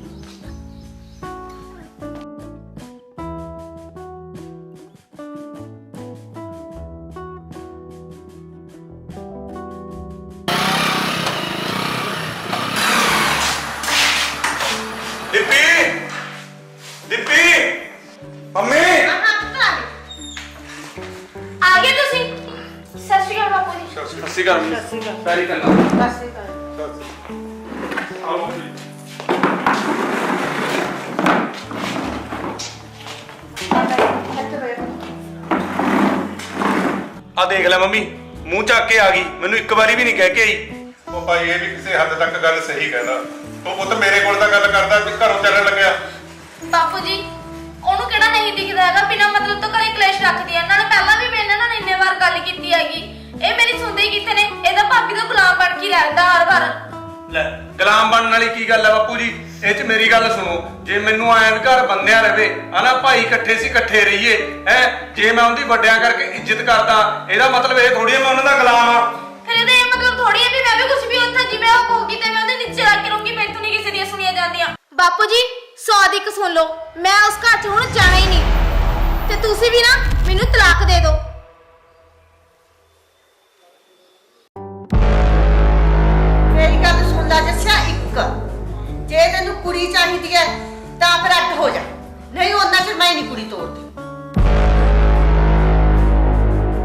Speaker 4: ਦੀਪੀ ਦੀਪੀ ਮੰਮੀ
Speaker 3: ਆ ਗਏ ਤੁਸੀਂ? ਸਤਿ ਸ਼੍ਰੀ ਅਕਾਲ ਬਾਪੂ ਜੀ।
Speaker 4: ਸਤਿ ਸ਼੍ਰੀ ਅਕਾਲ ਮੰਮੀ। ਪੈਰੀ ਕੰਨਾ
Speaker 5: ਬਸ ਇਹ ਕਰ।
Speaker 4: ਆਓ ਮੰਮੀ। ਆ ਦੇਖ ਲੈ ਮੰਮੀ, ਮੂੰਹ ਚੱਕ ਕੇ ਆ ਗਈ, ਮੈਨੂੰ ਇੱਕ ਵਾਰੀ ਵੀ ਨਹੀਂ ਕਹਿ ਕੇ ਆਈ।
Speaker 6: ਉਹ ਭਾਈ ਇਹ ਵੀ ਕਿਸੇ ਹੱਦ ਤੱਕ ਗੱਲ ਸਹੀ ਕਹਿੰਦਾ। ਉਹ ਪੁੱਤ ਮੇਰੇ ਕੋਲ ਤਾਂ ਗੱਲ ਕਰਦਾ ਵੀ ਘਰੋਂ ਚੱਲਣ ਲੱਗਿਆ।
Speaker 3: ਬਾਪੂ ਜੀ ਉਹਨੂੰ ਕਿਹੜਾ ਨਹੀਂ ਦਿਖਦਾ ਹੈਗਾ ਬਿਨਾਂ ਮਤਲਬ ਤੋਂ ਘਰੇ ਕਲੇਸ਼ ਰੱਖਦੀ ਆ। ਨਾਲੇ ਪਹਿਲਾਂ ਵੀ ਮੈਂ ਇਹਨਾਂ ਨਾਲ ਇੰਨੇ ਵਾਰ ਗੱਲ ਕੀਤੀ ਹੈਗੀ, ਇਹ ਮੇਰੀ ਸੁਣਦੇ ਹੀ ਕਿੱਥੇ ਨੇ। ਇਹਦਾ ਭਾਬੀ ਦਾ ਗੁਲਾਮ ਬਣ ਕੇ ਰਹਿੰਦਾ ਹਰ ਵਾਰ।
Speaker 4: ਲੈ ਗੁਲਾਮ ਬਣਨ ਵਾਲੀ ਕੀ ਗੱਲ ਹੈ ਬਾਪੂ ਜੀ, ਇਹ 'ਚ ਮੇਰੀ ਗੱਲ ਸੁਣੋ। ਜੇ ਮੈਨੂੰ ਆਇਆ ਵੀ ਘਰ ਬੰਨਿਆ ਰਵੇ ਹਨਾ, ਭਾਈ ਇਕੱਠੇ ਸੀ ਇਕੱਠੇ ਰਹੀਏ ਹੈ, ਜੇ ਮੈਂ ਉਹਦੀ ਵੱਡਿਆਂ ਕਰਕੇ ਇੱਜ਼ਤ ਕਰਦਾ ਇਹਦਾ ਮਤਲਬ ਇਹ ਥੋੜੀ ਮੈਂ ਉਹਨਾਂ ਦਾ ਗੁਲਾਮ ਆ।
Speaker 3: ਫਿਰ ਇਹਦਾ ਇਹ ਮਤਲਬ ਥੋੜੀ ਹੈ ਵੀ ਮੈਂ ਵੀ ਕੁਝ ਵੀ ਉੱਥੇ ਜਿਵੇਂ ਉਹ ਕਹੂਗੀ ਤੇ ਮੈਂ ਉਹਦੇ ਨੀਚੇ ਰੱਖ ਕੇ ਰਹੂੰਗੀ, ਮੈਥੋਂ ਨਹੀਂ ਕਿਸੇ ਦੀਆਂ ਸੁਣੀਆਂ ਜਾਂਦੀਆਂ। ਬਾਪੂ ਜੀ ਸੌ ਦੀ ਇੱਕ ਸੁਣ ਲਓ, ਮੈਂ ਉਸ ਘਰ 'ਚ ਹੁਣ ਜਾਣਾ ਹੀ ਨਹੀਂ ਤੇ ਤੁਸੀਂ ਵੀ ਨਾ ਮੈਨੂੰ ਤਲਾਕ ਦੇ ਦਿਓ।
Speaker 5: ਮੇਰੀ ਗੱਲ ਸੁਣ ਲੈ ਜੱਸਿਆ, ਇੱਕ ਜੇ ਤੈਨੂੰ ਕੁੜੀ ਚਾਹੀਦੀ ਹੈ ਤਾਂ ਫਿਰ ਅੱਡ ਹੋ ਜਾ, ਨਹੀਂ ਉਹਨਾਂ ਚਿਰ ਮੈਂ ਨਹੀਂ ਕੁੜੀ ਤੋੜਦੀ।